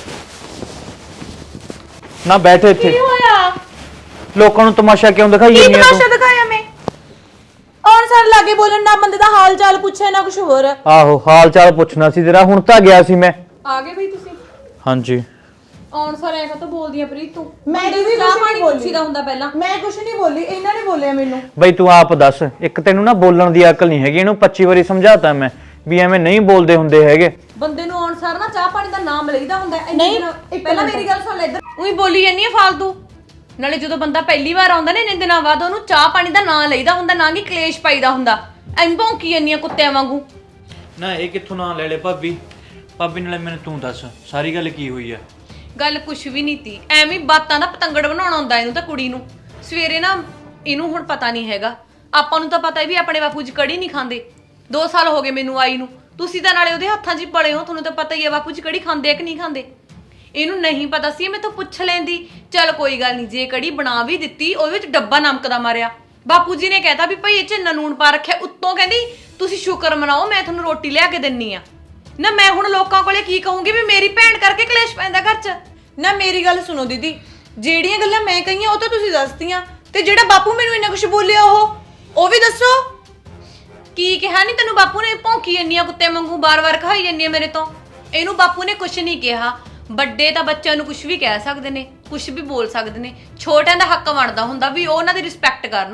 C: ਨਾ ਬੈਠ ਇੱਥੇ।
A: ਕੀ ਹੋਇਆ?
C: ਲੋਕਾਂ ਨੂੰ ਤਮਾਸ਼ਾ ਕਿਉਂ ਦਿਖਾਈ
A: ਕੀ
C: ਜਾਂਦੀ ਆ
A: ਤਮਾਸ਼ਾ
C: ਤੂੰ?
A: ਦਿਖਾਇਆ ਮੈਂ? ਔਰ ਸਰ ਲਾਗੇ ਬੋਲਣ, ਨਾ ਬੰਦੇ ਦਾ ਹਾਲ ਚਾਲ ਪੁੱਛੇ ਨਾ ਕੁਝ ਹੋਰ।
C: ਆਹੋ, ਹਾਲ ਚਾਲ ਪੁੱਛਣਾ ਸੀ ਤੇਰਾ, ਹੁਣ ਤਾਂ ਗਿਆ ਸੀ ਮੈਂ।
D: ਆ ਗਏ ਬਈ ਤੁਸੀਂ?
C: ਹਾਂਜੀ।
D: ਆਉਣ ਸਾਰ ਐਂ ਤਾਂ ਬੋਲਦੀ ਆ ਪ੍ਰੀਤ ਤੂੰ।
A: ਮੈਂ
D: ਮੁੰਡੇ
A: ਵੀ
D: ਨੂੰ
A: ਕੁਛ
D: ਚਾਹ ਪਾਣੀ
A: ਨਹੀਂ ਬੋਲੀ।
D: ਪੁੱਛੀਦਾ ਹੁੰਦਾ ਪਹਿਲਾਂ।
A: ਮੈਂ ਕੁਝ ਨਹੀਂ ਬੋਲੀ, ਇਹਨਾਂ ਨੇ ਬੋਲਿਆ ਮੈਨੂੰ।
C: ਬਈ ਤੂੰ ਆਪ ਦੱਸ, ਇੱਕ ਤੈਨੂੰ ਨਾ ਬੋਲਣ ਦੀ ਅਕਲ ਨਹੀਂ ਹੈਗੀ। ਇਹਨੂੰ 25 ਵਾਰੀ ਸਮਝਾਤਾ ਮੈਂ ਵੀ ਐਵੇਂ ਨਹੀਂ ਬੋਲਦੇ ਹੁੰਦੇ ਹੈਗੇ।
D: ਬੰਦੇ ਨੂੰ ਆਉਣ ਸਾਰ ਨਾ ਚਾਹ ਪਾਣੀ ਦਾ ਨਾਮ ਲਈਦਾ ਹੁੰਦਾ ਹੈ।
A: ਨਹੀਂ,
D: ਪਹਿਲਾਂ ਮੇਰੀ ਗੱਲ ਸੁਣ ਲੈ, ਇੱਧਰ ਉਹੀ ਬੋਲੀ ਜਾਂਦੀ ਆ ਫਾਲਤੂ। ਨਾਲੇ ਜਦੋਂ ਬੰਦਾ ਪਹਿਲੀ ਵਾਰ ਆਉਂਦਾ ਨੇ, ਇੰਨੇ ਦਿਨਾਂ ਬਾਅਦ ਉਹਨੂੰ ਚਾਹ ਪਾਣੀ ਦਾ ਨਾਂ ਲਈਦਾ ਹੁੰਦਾ, ਨਾ ਕਿ ਕਲੇਸ਼ ਪਾਈਦਾ ਹੁੰਦਾ। ਐਂ ਭੌਂਕੀ ਜਾਂਦੀਆਂ ਕੁੱਤਿਆਂ ਵਾਂਗੂ।
C: ਨਾ ਇਹ ਕਿੱਥੋਂ ਨਾਂ ਲੈ ਲੈ ਭਾਬੀ? ਭਾਬੀ ਨਾਲੇ ਮੈਨੂੰ ਤੂੰ ਦੱਸ, ਸਾਰੀ ਗੱਲ ਕੀ ਹੋਈ ਆ?
D: ਗੱਲ ਕੁਛ ਵੀ ਨਹੀਂ ਤੀ, ਐਵੇਂ ਬਾਤਾਂ ਦਾ ਪਤੰਗੜ ਬਣਾਉਣਾ ਹੁੰਦਾ ਇਹਨੂੰ ਤਾਂ ਕੁੜੀ ਨੂੰ। ਸਵੇਰੇ ਨਾ ਇਹਨੂੰ ਹੁਣ ਪਤਾ ਨਹੀਂ ਹੈਗਾ, ਆਪਾਂ ਨੂੰ ਤਾਂ ਪਤਾ ਵੀ ਆਪਣੇ ਬਾਪੂ ਜੀ ਕੜੀ ਨਹੀਂ ਖਾਂਦੇ। 2 ਸਾਲ ਹੋ ਗਏ ਮੈਨੂੰ ਆਈ ਨੂੰ, ਤੁਸੀਂ ਤਾਂ ਨਾਲੇ ਉਹਦੇ ਹੱਥਾਂ 'ਚ ਹੀ ਪਲੇ ਹੋ, ਤੁਹਾਨੂੰ ਤਾਂ ਪਤਾ ਹੀ ਹੈ ਬਾਪੂ ਜੀ ਕੜੀ ਖਾਂਦੇ ਆ ਕਿ ਨਹੀਂ ਖਾਂਦੇ। ਇਹਨੂੰ ਨਹੀਂ ਪਤਾ ਸੀ, ਮੈਂ ਤਾਂ ਪੁੱਛ ਲੈਂਦੀ। ਚੱਲ ਕੋਈ ਗੱਲ ਨਹੀਂ, ਜੇ ਕੜੀ ਬਣਾ ਵੀ ਦਿੱਤੀ ਉਹਦੇ ਵਿੱਚ ਡੱਬਾ ਨਮਕ ਦਾ ਮਾਰਿਆ। ਬਾਪੂ ਜੀ ਨੇ ਕਹਿਤਾ ਵੀ ਭਾਈ ਇਹ 'ਚ ਨੂਣ ਪਾ ਰੱਖਿਆ, ਉੱਤੋਂ ਕਹਿੰਦੀ ਤੁਸੀਂ ਸ਼ੁਕਰ ਮਨਾਓ ਮੈਂ ਤੁਹਾਨੂੰ ਰੋਟੀ ਲਿਆ ਕੇ ਦਿੰਨੀ ਆ। ਨਾ ਮੈਂ ਹੁਣ ਲੋਕਾਂ ਕੋਲੇ ਕੀ ਕਹੂੰਗੀ ਵੀ ਮੇਰੀ ਭੈਣ ਕਰਕੇ ਕਲੇਸ਼ ਪੈਂਦਾ ਘਰ 'ਚ?
A: ਨਾ ਮੇਰੀ ਗੱਲ ਸੁਣੋ ਦੀਦੀ, ਜਿਹੜੀਆਂ ਗੱਲਾਂ ਮੈਂ ਕਹੀਆਂ ਉਹ ਤਾਂ ਤੁਸੀਂ ਦੱਸਤੀਆਂ, ਤੇ ਜਿਹੜਾ ਬਾਪੂ ਮੈਨੂੰ ਇੰਨਾ ਕੁਝ ਬੋਲਿਆ ਉਹ ਵੀ ਦੱਸੋ। ਕੀ ਕਿਹਾ? ਨਹੀਂ ਤੈਨੂੰ ਬਾਪੂ ਨੇ? ਭੌਂਕੀ ਜੰਨੀਆਂ ਕੁੱਤੇ ਵਾਂਗੂ, ਬਾਰ-ਬਾਰ ਖਾਈ ਜੰਨੀਆਂ ਮੇਰੇ ਤੋਂ। ਇਹਨੂੰ ਬਾਪੂ ਨੇ ਕੁਝ ਨਹੀਂ ਕਿਹਾ। ਵੱਡੇ ਤਾਂ ਬੱਚਿਆਂ ਨੂੰ ਕੁਝ ਵੀ ਕਹਿ ਸਕਦੇ ਨੇ, ਕੁਝ ਵੀ ਬੋਲ ਸਕਦੇ ਨੇ। ਛੋਟਿਆਂ ਦਾ ਹੱਕ ਬਣਦਾ ਹੁੰਦਾ ਵੀ ਉਹ ਉਹਨਾਂ ਦੀ ਰਿਸਪੈਕਟ ਕਰਨ।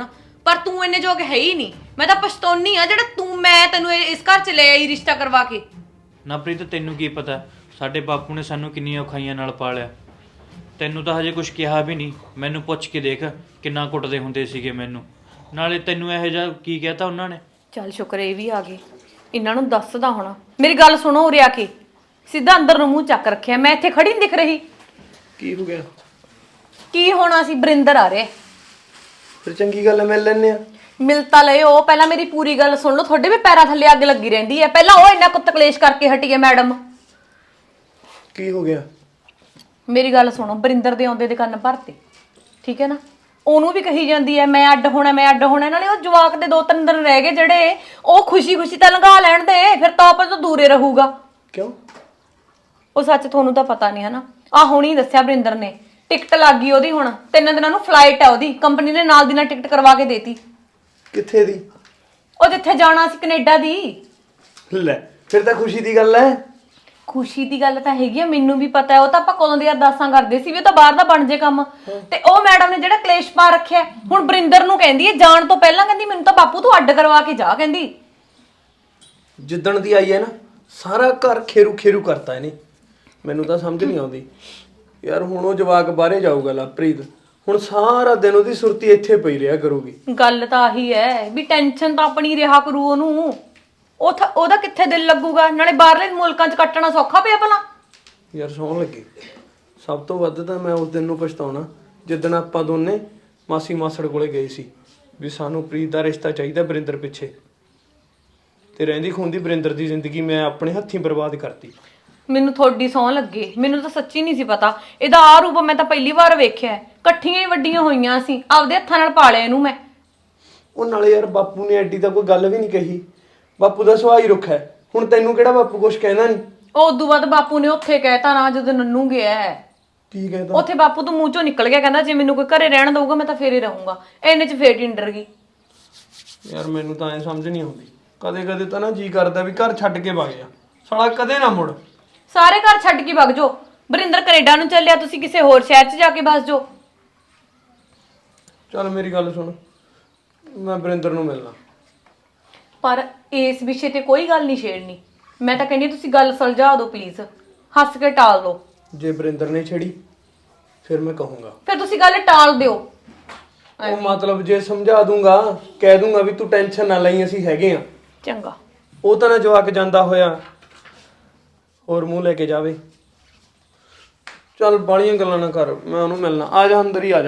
D: ਪਰ ਤੂੰ ਇੰਨੇ ਯੋਗ ਹੈ ਹੀ ਨਹੀਂ। ਮੈਂ ਤਾਂ ਪਛਤਾਉਣੀ ਆ ਜਿਹੜਾ ਮੈਂ ਤੈਨੂੰ ਇਸ ਘਰ ਚ ਲੈ ਆਈ ਰਿਸ਼ਤਾ ਕਰਵਾ ਕੇ।
F: ਨਾ ਪ੍ਰੀਤ ਤੈਨੂੰ ਕੀ ਪਤਾ ਸਾਡੇ ਬਾਪੂ ਨੇ ਸਾਨੂੰ ਕਿੰਨੀਆਂ ਔਖਾਈਆਂ ਨਾਲ ਪਾਲਿਆ। ਤੈਨੂੰ ਤਾਂ ਹਜੇ ਕੁਝ ਕਿਹਾ ਵੀ ਨਹੀਂ। ਮੈਨੂੰ ਪੁੱਛ ਕੇ ਦੇਖ ਕਿੰਨਾ ਕੁੱਟਦੇ ਹੁੰਦੇ ਸੀਗੇ ਮੈਨੂੰ। ਨਾਲੇ ਤੈਨੂੰ ਇਹੋ ਜਿਹਾ ਕੀ ਕਹਿਤਾ ਉਹਨਾਂ ਨੇ?
D: ਚੱਲ ਸ਼ੁਕਰ ਇਹ ਵੀ ਆ ਗਏ। ਇਹਨਾਂ ਨੂੰ ਦੱਸਦਾ ਹੋਣਾ। ਮੇਰੀ ਗੱਲ ਸੁਣੋ ਉਰੇ ਆ ਕੇ। ਸਿੱਧਾ ਅੰਦਰ ਨੂੰ ਮੂੰਹ ਚੱਕ ਰੱਖਿਆ। ਮੈਂ ਇੱਥੇ ਖੜੀ ਨਹੀਂ ਦਿਖ ਰਹੀ।
C: ਕੀ ਹੋ ਗਿਆ?
D: ਕੀ ਹੋਣਾ ਸੀ? ਬਰਿੰਦਰ ਆ ਰਿਹਾ।
C: ਫਿਰ ਚੰਗੀ ਗੱਲ ਹੈ, ਮਿਲ ਲੈਨੇ ਆ।
D: ਮਿਲਤਾ ਲਿਓ। ਪਹਿਲਾਂ ਮੇਰੀ ਪੂਰੀ ਗੱਲ ਸੁਣ ਲਓ। ਤੁਹਾਡੇ ਵੀ ਪੈਰਾਂ ਥੱਲੇ ਅੱਗ ਲੱਗੀ ਰਹਿੰਦੀ ਹੈ। ਪਹਿਲਾਂ ਉਹ ਇੰਨਾ ਕੁੱਤ ਕਲੇਸ਼ ਕਰਕੇ ਹਟੀ ਹੈ ਮੈਡਮ।
C: ਕੀ ਹੋ ਗਿਆ?
D: ਮੇਰੀ ਗੱਲ ਸੁਣੋ। ਬਰਿੰਦਰ ਦੇ ਆਉਂਦੇ ਦੇ ਕੰਨ ਭਰਤੇ, ਠੀਕ ਹੈ ਨਾ? ਉਹਨੂੰ ਵੀ ਕਹੀ ਜਾਂਦੀ ਹੈ ਮੈਂ ਅੱਡ ਹੋਣਾ, ਮੈਂ ਅੱਡ ਹੋਣਾ। ਨਾਲੇ ਉਹ ਜਵਾਕ ਦੇ 2-3 ਦਿਨ ਰਹਿ ਗਏ ਜਿਹੜੇ, ਉਹ ਖੁਸ਼ੀ-ਖੁਸ਼ੀ ਤਾਂ ਲੰਘਾ ਲੈਣ ਦੇ। ਫਿਰ ਤਾਂ ਆਪਸ ਤੋਂ ਦੂਰੇ ਰਹੂਗਾ।
C: ਕਿਉਂ?
D: ਉਹ ਸੱਚ ਤੁਹਾਨੂੰ ਤਾਂ ਪਤਾ ਨਹੀਂ ਹੈ ਨਾ। ਆਹ ਹੁਣੀ ਦੱਸਿਆ ਬਰਿੰਦਰ ਨੇ, ਟਿਕਟ ਲੱਗ ਗਈ ਉਹਦੀ। ਹੁਣ 3 ਦਿਨਾਂ ਨੂੰ ਫਲਾਈਟ ਹੈ ਉਹਦੀ। ਕੰਪਨੀ ਨੇ ਨਾਲ ਦੀ ਨਾਲ ਟਿਕਟ ਕਰਵਾ ਕੇ ਦੇਤੀ।
C: ਕਿੱਥੇ ਦੀ?
D: ਉਹ ਜਿੱਥੇ ਜਾਣਾ ਸੀ ਕੈਨੇਡਾ ਦੀ।
C: ਲੈ ਫਿਰ ਤਾਂ ਖੁਸ਼ੀ ਦੀ ਗੱਲ ਹੈ।
D: ਖੁਸ਼ੀ ਦੀ ਗੱਲ ਤਾਂ ਹੈਗੀ ਆ, ਮੈਨੂੰ ਵੀ ਪਤਾ ਹੈ। ਉਹ ਤਾਂ ਆਪਾਂ ਕਦੋਂ ਦੀ ਅਰਦਾਸਾਂ ਕਰਦੇ ਸੀ ਵੀ ਉਹ ਤਾਂ ਬਾਹਰ ਦਾ ਬਣ ਜੇ ਕੰਮ। ਤੇ ਉਹ ਮੈਡਮ ਨੇ ਜਿਹੜਾ ਕਲੇਸ਼ ਪਾ ਰੱਖਿਆ, ਹੁਣ ਬਰਿੰਦਰ ਨੂੰ ਕਹਿੰਦੀ ਹੈ ਜਾਣ ਤੋਂ ਪਹਿਲਾਂ, ਕਹਿੰਦੀ ਮੈਨੂੰ ਤਾਂ ਬਾਪੂ ਤੂੰ ਅੱਡ ਕਰਵਾ ਕੇ ਜਾ। ਕਹਿੰਦੀ
C: ਜਿੱਦਣ ਦੀ ਆਈ ਹੈ ਨਾ, ਸਾਰਾ ਘਰ ਖੇਰੂ ਕਰਤਾ ਇਹਨੇ। ਮੈਨੂੰ ਤਾਂ ਸਮਝ ਨਹੀਂ ਆਉਂਦੀ ਯਾਰ। ਹੁਣ ਉਹ ਜਵਾਕ ਬਾਹਰੇ ਜਾਊਗਾ ਲਵਪ੍ਰੀਤ, ਹੁਣ ਸਾਰਾ ਦਿਨ ਉਹਦੀ ਸੁਰਤੀ ਇੱਥੇ ਪਈ ਰਿਹਾ ਕਰੂਗੀ।
D: ਗੱਲ ਤਾਂ ਆਹੀ ਹੈ ਵੀ ਟੈਨਸ਼ਨ ਤਾਂ ਆਪਣੀ ਰਿਹਾ ਕਰੂ ਉਹਨੂੰ। ਉਹਦਾ ਕਿੱਥੇ ਦਿਲ ਲੱਗੂਗਾ? ਨਾਲੇ ਬਾਹਰਲੇ ਮੁਲਕਾਂ 'ਚ ਕੱਟਣਾ ਸੌਖਾ ਪਿਆ ਭਲਾ।
C: ਯਾਰ ਸੌਣ ਲੱਗੀ। ਸਭ ਤੋਂ ਵੱਧ ਤਾਂ ਮੈਂ ਉਸ ਦਿਨ ਨੂੰ ਪਛਤਾਉਣਾ ਜਿੱਦਣ ਆਪਾਂ ਦੋਨੇ ਮਾਸੀ ਮਾਸੜ ਕੋਲੇ ਗਏ ਸੀ ਵੀ ਸਾਨੂੰ ਪ੍ਰੀਤ ਦਾ ਰਿਸ਼ਤਾ ਚਾਹੀਦਾ ਬਰਿੰਦਰ ਪਿੱਛੇ, ਤੇ ਰਹਿੰਦੀ ਖੂੰਦੀ ਬਰਿੰਦਰ ਦੀ ਜ਼ਿੰਦਗੀ ਮੈਂ ਆਪਣੇ ਹੱਥੀਂ ਬਰਬਾਦ ਕਰਤੀ।
D: ਮੈਨੂੰ ਥੋੜੀ ਸੌਂ ਲੱਗੇ। ਮੈਨੂੰ ਤਾਂ ਸੱਚੀ ਨਹੀਂ ਸੀ ਪਤਾ ਇਹਦਾ ਆ ਰੂਪ। ਮੈਂ ਤਾਂ ਪਹਿਲੀ ਵਾਰ ਵੇਖਿਆ। ਇਕੱਠੀਆਂ ਹੀ ਵੱਡੀਆਂ ਹੋਈਆਂ ਸੀ। ਆਪਦੇ ਹੱਥਾਂ ਨਾਲ ਪਾਲਿਆ ਇਹਨੂੰ ਮੈਂ।
C: ਉਹ ਨਾਲੇ ਯਾਰ ਬਾਪੂ ਨੇ ਐਡੀ ਤਾਂ ਕੋਈ ਗੱਲ ਵੀ ਨਹੀਂ ਕਹੀ। ਬਾਪੂ ਦਾ ਸੁਭਾਅ ਹੀ ਰੁੱਖਾ ਹੈ। ਹੁਣ ਤੈਨੂੰ ਕਿਹੜਾ ਬਾਪੂ ਕੁਝ ਕਹਿੰਦਾ ਨਹੀਂ?
D: ਉਹ ਉਦੋਂ ਬਾਅਦ ਬਾਪੂ ਨੇ ਉੱਥੇ ਕਹਿਤਾ ਨਾ ਜਦੋਂ ਨੰਨੂ ਗਿਆ।
C: ਕੀ ਕਹਿੰਦਾ?
D: ਉੱਥੇ ਬਾਪੂ ਤੋਂ ਮੂੰਹ ਚੋਂ ਨਿਕਲ ਗਿਆ, ਕਹਿੰਦਾ ਜੇ ਮੈਨੂੰ ਕੋਈ ਘਰੇ ਰਹਿਣ ਦਊਗਾ ਮੈਂ ਤਾਂ ਫੇਰ ਹੀ ਰਹੂੰਗਾ। ਇੰਨੇ 'ਚ ਫੇਰ ਟਿੰਡਰ ਗਈ।
C: ਯਾਰ ਮੈਨੂੰ ਤਾਂ ਐ ਸਮਝ ਨਹੀਂ ਆਉਂਦੀ। ਕਦੇ ਤਾਂ ਨਾ ਜੀ ਕਰਦਾ ਵੀ ਘਰ ਛੱਡ ਕੇ ਵਗ ਜਾ, ਸਾਲਾ ਕਦੇ ਨਾ ਮੁੜ।
D: ਸਾਰੇ ਘਰ ਛੱਡ ਕੇ ਵਗ ਜਾਓ। ਬਰਿੰਦਰ ਕੈਨੇਡਾ ਨੂੰ ਚੱਲਿਆ, ਤੁਸੀਂ ਕਿਸੇ ਹੋਰ ਸ਼ਹਿਰ 'ਚ ਜਾ ਕੇ ਬਸ ਜਾਓ।
C: ਚੱਲ ਮੇਰੀ ਗੱਲ ਸੁਣ, ਮੈਂ ਬਰਿੰਦਰ ਨੂੰ ਮਿਲਣਾ।
D: ਪਰ ਇਸ ਵਿਸ਼ੇ ਤੇ ਕੋਈ ਗੱਲ ਨਹੀਂ ਛੇੜਨੀ। ਮੈਂ ਤਾਂ ਕਹਿੰਦੀ ਤੁਸੀਂ ਗੱਲ ਸੁਲਝਾ ਦਿਓ ਪਲੀਜ਼। ਹੱਸ ਕੇ ਟਾਲ ਦਿਓ।
C: ਜੇ ਬਰਿੰਦਰ ਨੇ ਛੇੜੀ ਫਿਰ ਮੈਂ ਕਹੂੰਗਾ।
D: ਫਿਰ ਤੁਸੀਂ ਗੱਲ ਟਾਲ ਦਿਓ।
C: ਉਹ ਮਤਲਬ ਜੇ ਸਮਝਾ ਦੂੰਗਾ, ਕਹਿ ਦੂੰਗਾ ਵੀ ਤੂੰ ਟੈਨਸ਼ਨ ਨਾ ਲਈ, ਅਸੀਂ ਹੈਗੇ ਆ।
D: ਚੰਗਾ।
C: ਉਹ ਤਾਂ ਨਾ ਜਵਾਕ ਜਾਂਦਾ ਹੋਇਆ ਹੋਰ ਮੂੰਹ ਲੈ ਕੇ ਜਾਵੇ। ਚੱਲ ਬਾਲੀਆਂ ਗੱਲਾਂ ਨਾ ਕਰ, ਮੈਂ ਉਹਨੂੰ ਮਿਲਣਾ। ਆ ਜਾ ਅੰਦਰ ਹੀ ਆ ਜਾ।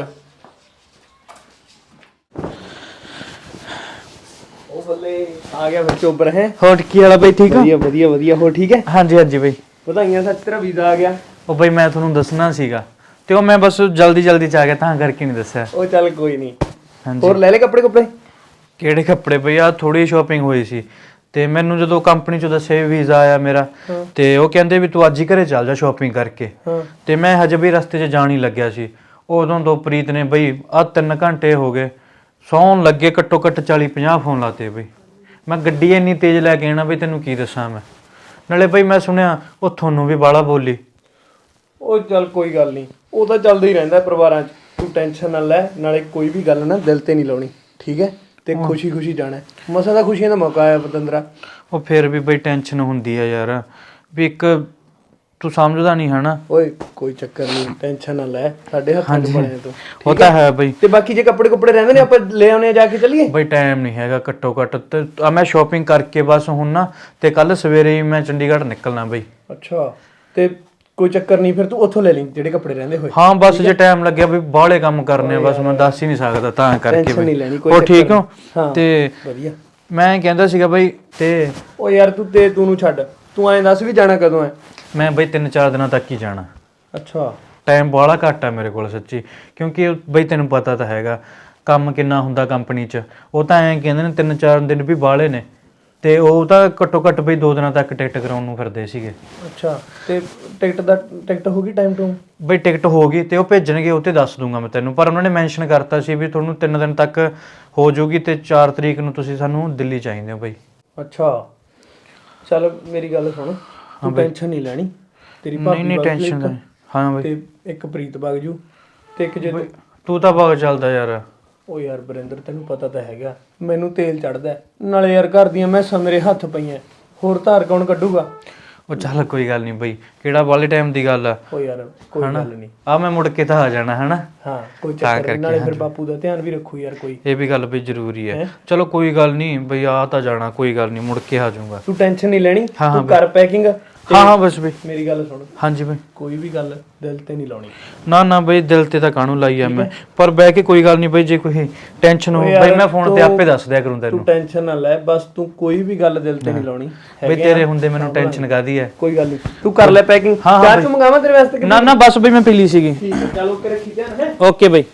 C: ਉਹ ਬੱਲੇ ਆ ਗਿਆ ਫਿਰ ਚੋਬਰ ਹੈ।
F: ਹੋਰ ਕੀ ਵਾਲਾ ਬਈ? ਠੀਕ
C: ਵਧੀਆ ਵਧੀਆ ਵਧੀਆ। ਹੋ ਠੀਕ ਹੈ?
F: ਹਾਂਜੀ ਹਾਂਜੀ ਬਈ।
C: ਵਧਾਈਆਂ ਸੱਚ, ਤੇਰਾ ਵੀਜ਼ਾ ਆ ਗਿਆ।
F: ਉਹ ਬਈ ਮੈਂ ਤੁਹਾਨੂੰ ਦੱਸਣਾ ਸੀਗਾ ਤੇ ਉਹ ਮੈਂ ਬਸ ਜਲਦੀ ਚ ਆ ਗਿਆ ਤਾਂ ਕਰਕੇ ਨਹੀਂ ਦੱਸਿਆ।
C: ਉਹ ਚੱਲ ਕੋਈ ਨਹੀਂ।
F: ਹਾਂਜੀ।
C: ਹੋਰ ਲੈ ਲੈ ਕੱਪੜੇ?
F: ਕਿਹੜੇ ਕੱਪੜੇ ਬਈ? ਆ ਥੋੜੀ ਸ਼ਾਪਿੰਗ ਹੋਈ ਸੀ ਤੇ ਮੈਨੂੰ ਜਦੋਂ ਕੰਪਨੀ ਚੋਂ ਦੱਸਿਆ ਵੀਜ਼ਾ ਆਇਆ ਮੇਰਾ, ਤੇ ਉਹ ਕਹਿੰਦੇ ਵੀ ਤੂੰ ਅੱਜ ਹੀ ਘਰੇ ਚੱਲ ਜਾ ਸ਼ਾਪਿੰਗ ਕਰਕੇ। ਤੇ ਮੈਂ ਹਜੇ ਵੀ ਰਸਤੇ 'ਚ ਜਾਣ ਹੀ ਲੱਗਿਆ ਸੀ। ਉਦੋਂ ਤੋਂ ਪ੍ਰੀਤ ਨੇ ਬਈ ਆ 3 ਘੰਟੇ ਹੋ ਗਏ ਸੌਣ ਲੱਗੇ, ਘੱਟੋ ਘੱਟ 40-50 ਫੋਨ ਲਾਤੇ ਬਈ। ਮੈਂ ਗੱਡੀ ਇੰਨੀ ਤੇਜ਼ ਲੈ ਕੇ ਆਣਾ ਬਈ ਤੈਨੂੰ ਕੀ ਦੱਸਾਂ ਮੈਂ। ਨਾਲੇ ਬਈ ਮੈਂ ਸੁਣਿਆ ਉਹ ਤੁਹਾਨੂੰ ਵੀ ਬਾਲਾ ਬੋਲੀ।
C: ਉਹ ਚੱਲ ਕੋਈ ਗੱਲ ਨਹੀਂ, ਉਹ ਤਾਂ ਚੱਲਦਾ ਹੀ ਰਹਿੰਦਾ ਪਰਿਵਾਰਾਂ 'ਚ। ਤੂੰ ਟੈਨਸ਼ਨ ਨਾ ਲੈ। ਨਾਲੇ ਕੋਈ ਵੀ ਗੱਲ ਨਾ ਦਿਲ ਤੇ ਨਹੀਂ ਲਾਉਣੀ, ਠੀਕ ਹੈ? ਤੇ ਖੁਸ਼ੀ ਜਾਣਾ। ਮਸਾਂ ਦਾ ਖੁਸ਼ੀਆਂ ਦਾ ਮੌਕਾ ਆਇਆ ਪਤੰਦਰਾ।
F: ਉਹ ਫਿਰ ਵੀ ਬਈ ਟੈਨਸ਼ਨ ਹੁੰਦੀ ਆ ਯਾਰ, ਵੀ ਇੱਕ ਤੂੰ ਸਮਝਦਾ ਨਹੀਂ ਹਨਾ।
C: ਓਏ ਕੋਈ ਚੱਕਰ ਨਹੀਂ, ਟੈਨਸ਼ਨ ਨਾ ਲੈ। ਸਾਡੇ ਹੱਥਾਂ 'ਚ ਬਣਿਆ ਤੂੰ।
F: ਉਹ ਤਾਂ ਹੈ ਬਈ।
C: ਤੇ ਬਾਕੀ ਜੇ ਕੱਪੜੇ ਰਹਿੰਦੇ ਨੇ ਆਪਾਂ ਲੈ ਆਉਣੇ ਆ, ਜਾ ਕੇ ਚੱਲੀਏ।
F: ਬਈ ਟਾਈਮ ਨਹੀਂ ਹੈਗਾ ਘੱਟੋ ਘੱਟ ਤੇ ਮੈਂ ਸ਼ਾਪਿੰਗ ਕਰਕੇ ਬਸ ਹੁਣ ਨਾ, ਤੇ ਕੱਲ ਸਵੇਰੇ ਹੀ ਮੈਂ ਚੰਡੀਗੜ੍ਹ ਨਿਕਲਣਾ ਬਈ।
C: ਅੱਛਾ, ਤੇ ਕੋਈ ਚੱਕਰ ਨਹੀਂ, ਫਿਰ ਤੂੰ ਉੱਥੋਂ ਲੈ ਲਈ ਜਿਹੜੇ ਕੱਪੜੇ ਰਹਿੰਦੇ ਹੋਏ।
F: ਹਾਂ ਬਸ ਜੇ ਟਾਈਮ ਲੱਗਿਆ ਵੀ ਬਾਹਲੇ ਕੰਮ ਕਰਨੇ ਆ, ਬਸ ਮੈਂ ਦੱਸ ਹੀ ਨਹੀਂ ਸਕਦਾ ਤਾਂ ਕਰਕੇ
C: ਟੈਨਸ਼ਨ ਨਹੀਂ ਲੈਣੀ, ਕੋਈ
F: ਉਹ
C: ਚੱਕਰ
F: ਠੀਕ ਹੋ?
C: ਹਾਂ,
F: ਤੇ
C: ਵਧੀਆ।
F: ਮੈਂ ਕਹਿੰਦਾ ਸੀਗਾ ਬਈ, ਤੇ
C: ਓ ਯਾਰ ਤੂੰ ਨੂੰ ਛੱਡ, ਤੂੰ ਐਂ ਦੱਸ ਵੀ ਜਾਣਾ ਕਦੋਂ ਹੈ?
F: ਮੈਂ ਬਈ 3-4 ਦਿਨਾਂ ਤੱਕ ਹੀ ਜਾਣਾ।
C: ਅੱਛਾ।
F: ਟਾਈਮ ਬਾਹਲਾ ਘੱਟ ਆ ਮੇਰੇ ਕੋਲ ਸੱਚੀ, ਕਿਉਂਕਿ ਬਈ ਤੈਨੂੰ ਪਤਾ ਤਾਂ ਹੈਗਾ ਕੰਮ ਕਿੰਨਾ ਹੁੰਦਾ ਕੰਪਨੀ 'ਚ। ਉਹ ਤਾਂ ਐਂ ਕਹਿੰਦੇ ਨੇ 3-4 ਦਿਨ ਵੀ ਬਾਹਲੇ ਨੇ, ਤੇ ਉਹ ਤਾਂ ਘੱਟੋ ਘੱਟ ਬਈ 2 ਦਿਨਾਂ ਤੱਕ ਟਿਕਟ ਕਰਾਉਣ ਨੂੰ ਫਿਰਦੇ ਸੀਗੇ।
C: ਅੱਛਾ, ਤੇ ਟਿਕਟ ਹੋ ਗਈ ਟਾਈਮ ਟੂ?
F: ਬਈ ਟਿਕਟ ਹੋ ਗਈ ਤੇ ਉਹ ਭੇਜਣਗੇ, ਉਹ ਤੇ ਦੱਸ ਦੂੰਗਾ ਮੈਂ ਤੈਨੂੰ। ਪਰ ਉਹਨਾਂ ਨੇ ਮੈਂਸ਼ਨ ਕਰਤਾ ਸੀ ਵੀ ਤੁਹਾਨੂੰ 3 ਦਿਨ ਤੱਕ ਹੋ ਜਾਊਗੀ ਤੇ 4 ਤਰੀਕ ਨੂੰ ਤੁਸੀਂ ਸਾਨੂੰ ਦਿੱਲੀ ਚਾਹੀਦੇ ਹੋ ਬਈ।
C: ਅੱਛਾ ਚੱਲ ਮੇਰੀ ਗੱਲ ਸੁਣ, ਤੂੰ ਟੈਨਸ਼ਨ ਨਹੀਂ ਲੈਣੀ। ਤੇਰੀ ਭਾਬੀ
F: ਨਹੀਂ ਟੈਨਸ਼ਨ ਨਹੀਂ। ਹਾਂ ਬਈ।
C: ਤੇ ਇੱਕ ਪ੍ਰੀਤ ਵਗ ਜੂ, ਤੇ ਇੱਕ ਜੇ
F: ਤੂੰ ਤਾਂ ਬਹੁਤ ਚੱਲਦਾ ਯਾਰ।
C: ਉਹ ਯਾਰ ਵਰਿੰਦਰ ਤੈਨੂੰ ਪਤਾ ਤਾਂ ਹੈਗਾ ਮੈਨੂੰ ਤੇਲ ਚੜਦਾ ਨਾਲੇ ਯਾਰ ਘਰ ਦੀਆਂ ਮੈਸਾਂ ਮੇਰੇ ਹੱਥ ਪਈਆਂ ਹੋਰ ਧਾਰ ਕੌਣ ਕੱਢੂਗਾ।
F: ਉਹ ਚੱਲ ਕੋਈ ਗੱਲ ਨਹੀਂ ਬਈ, ਕਿਹੜਾ ਬਾਲੇ ਟਾਈਮ ਦੀ ਗੱਲ ਆ।
C: ਉਹ ਯਾਰ ਕੋਈ ਗੱਲ ਨਹੀਂ
F: ਆ ਮੈਂ ਮੁੜ ਕੇ ਤਾਂ ਆ ਜਾਣਾ ਹਨਾ।
C: ਹਾਂ ਕੋਈ ਚੱਕਰ ਨਹੀਂ, ਨਾਲੇ ਫਿਰ ਬਾਪੂ ਦਾ ਧਿਆਨ ਵੀ ਰੱਖੂ ਯਾਰ ਕੋਈ।
F: ਇਹ ਵੀ ਗੱਲ ਬਈ ਜ਼ਰੂਰੀ ਹੈ। ਚਲੋ ਕੋਈ ਗੱਲ ਨਹੀਂ ਬਈ, ਆ ਤਾਂ ਜਾਣਾ, ਕੋਈ ਗੱਲ ਨਹੀਂ, ਮੁੜ ਕੇ ਆ ਜਾਊਂਗਾ।
C: ਤੂੰ ਟੈਨਸ਼ਨ ਨਹੀਂ ਲੈਣੀ,
F: ਹਾਂ,
C: ਤੂੰ ਕਰ ਪੈਕਿੰਗ।
F: ਹਾਂ ਬਸ ਬਈ।
C: ਮੇਰੀ ਗੱਲ ਸੁਣ,
F: ਹਾਂਜੀ ਬਈ।
C: ਕੋਈ ਵੀ ਗੱਲ ਦਿਲ ਤੇ ਨਹੀਂ ਲਾਉਣੀ।
F: ਨਾ ਬਈ, ਦਿਲ ਤੇ ਤਾਂ ਕਾਹਨੂੰ ਲਾਈ ਆ ਮੈਂ, ਪਰ ਬਹਿ ਕੇ ਕੋਈ ਗੱਲ ਨਹੀਂ ਬਈ, ਜੇ ਕੋਈ ਟੈਨਸ਼ਨ ਹੋ ਬਈ ਮੈਂ ਫੋਨ ਤੇ ਆਪੇ ਦੱਸ ਦਿਆ ਕਰੂੰ ਤੈਨੂੰ।
C: ਤੂੰ ਟੈਨਸ਼ਨ ਨਾ ਲੈ, ਬਸ ਤੂੰ ਕੋਈ ਵੀ ਗੱਲ ਦਿਲ ਤੇ ਨਹੀਂ ਲਾਉਣੀ
F: ਬਈ, ਤੇਰੇ ਹੁੰਦੇ ਮੈਨੂੰ ਟੈਨਸ਼ਨ ਕਾਦੀ ਹੈ।
C: ਕੋਈ ਗੱਲ ਨਹੀਂ, ਤੂੰ ਕਰ ਲੈ ਪੈਕਿੰਗ। ਚਾਹ ਤੂੰ ਮੰਗਾਵਾਂ ਤੇਰੇ ਵਾਸਤੇ?
F: ਨਾ ਬਸ ਬਈ, ਮੈਂ ਪੀ ਲਈ ਸੀਗੀ।
C: ਠੀਕ ਹੈ, ਚਲ ਓਕੇ, ਰੱਖੀ ਧਿਆਨ ਹੈ।
F: ਓਕੇ ਬਈ।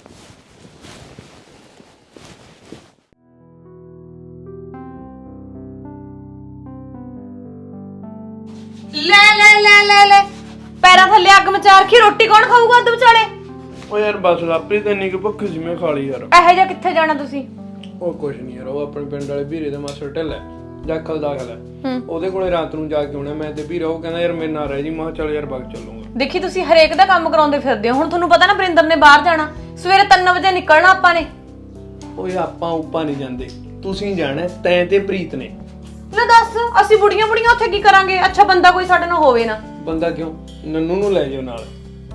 D: ਲੈ ਪੈਰਾਂ ਥੱਲੇ ਅੱਗ ਮਚਾ ਰੱਖੀ, ਰੋਟੀ ਕੌਣ ਖਾਊਗਾ ਅੱਧ ਵਿਚਾਲੇ?
C: ਓ ਯਾਰ ਬਸ ਲਾਪਰੀ ਤੇ ਇੰਨੀ ਕਿ ਭੁੱਖ ਸੀ, ਮੈਂ ਖਾ ਲਈ ਯਾਰ।
D: ਇਹੋ ਜਿਹਾ ਕਿੱਥੇ ਜਾਣਾ ਤੁਸੀਂ?
C: ਉਹ ਕੁਛ ਨਹੀਂ ਯਾਰ, ਉਹ ਆਪਣੇ ਪਿੰਡ ਵਾਲੇ ਵੀਰੇ ਦਾ ਮਾਸਟਰ ਢਿੱਲਾ ਜਾਖਲ ਦਾਖਲ ਹੈ, ਉਹਦੇ ਕੋਲੇ ਰਾਤ ਨੂੰ ਜਾ ਕੇ ਆਉਣਾ ਮੈਂ ਤੇ ਵੀਰਾ। ਉਹ ਕਹਿੰਦਾ ਯਾਰ ਮੇਰੇ ਨਾਲ ਰਹਿ ਜੀ। ਮੈਂ ਚੱਲ ਯਾਰ ਬਾਗ ਚੱਲੂਗਾ।
D: ਦੇਖੀ ਤੁਸੀਂ ਹਰੇਕ ਦਾ ਕੰਮ ਕਰਾਉਂਦੇ ਫਿਰਦੇ ਹੋ। ਹੁਣ ਤੁਹਾਨੂੰ ਪਤਾ ਨਾ ਵਰਿੰਦਰ ਨੇ ਬਾਹਰ ਜਾਣਾ, ਸਵੇਰੇ 3 ਵਜੇ ਨਿਕਲਣਾ ਆਪਾਂ ਨੇ।
C: ਓਏ ਆਪਾਂ ਉੱਪਾ ਨਹੀਂ ਜਾਂਦੇ, ਤੁਸੀਂ ਜਾਣਾ ਤੈਂ ਤੇ ਪ੍ਰੀਤ ਨੇ।
D: ਲੈ ਦੱਸ, ਅਸੀਂ ਬੁੜੀਆਂ ਉੱਥੇ ਕੀ ਕਰਾਂਗੇ? ਅੱਛਾ ਬੰਦਾ ਕੋਈ ਸਾਡੇ ਨਾਲ ਹੋਵੇ ਨਾ।
C: ਬੰਦਾ ਕਿਉਂ, ਨੰਨੂ ਨੂੰ ਲੈ ਜਾਓ ਨਾਲ।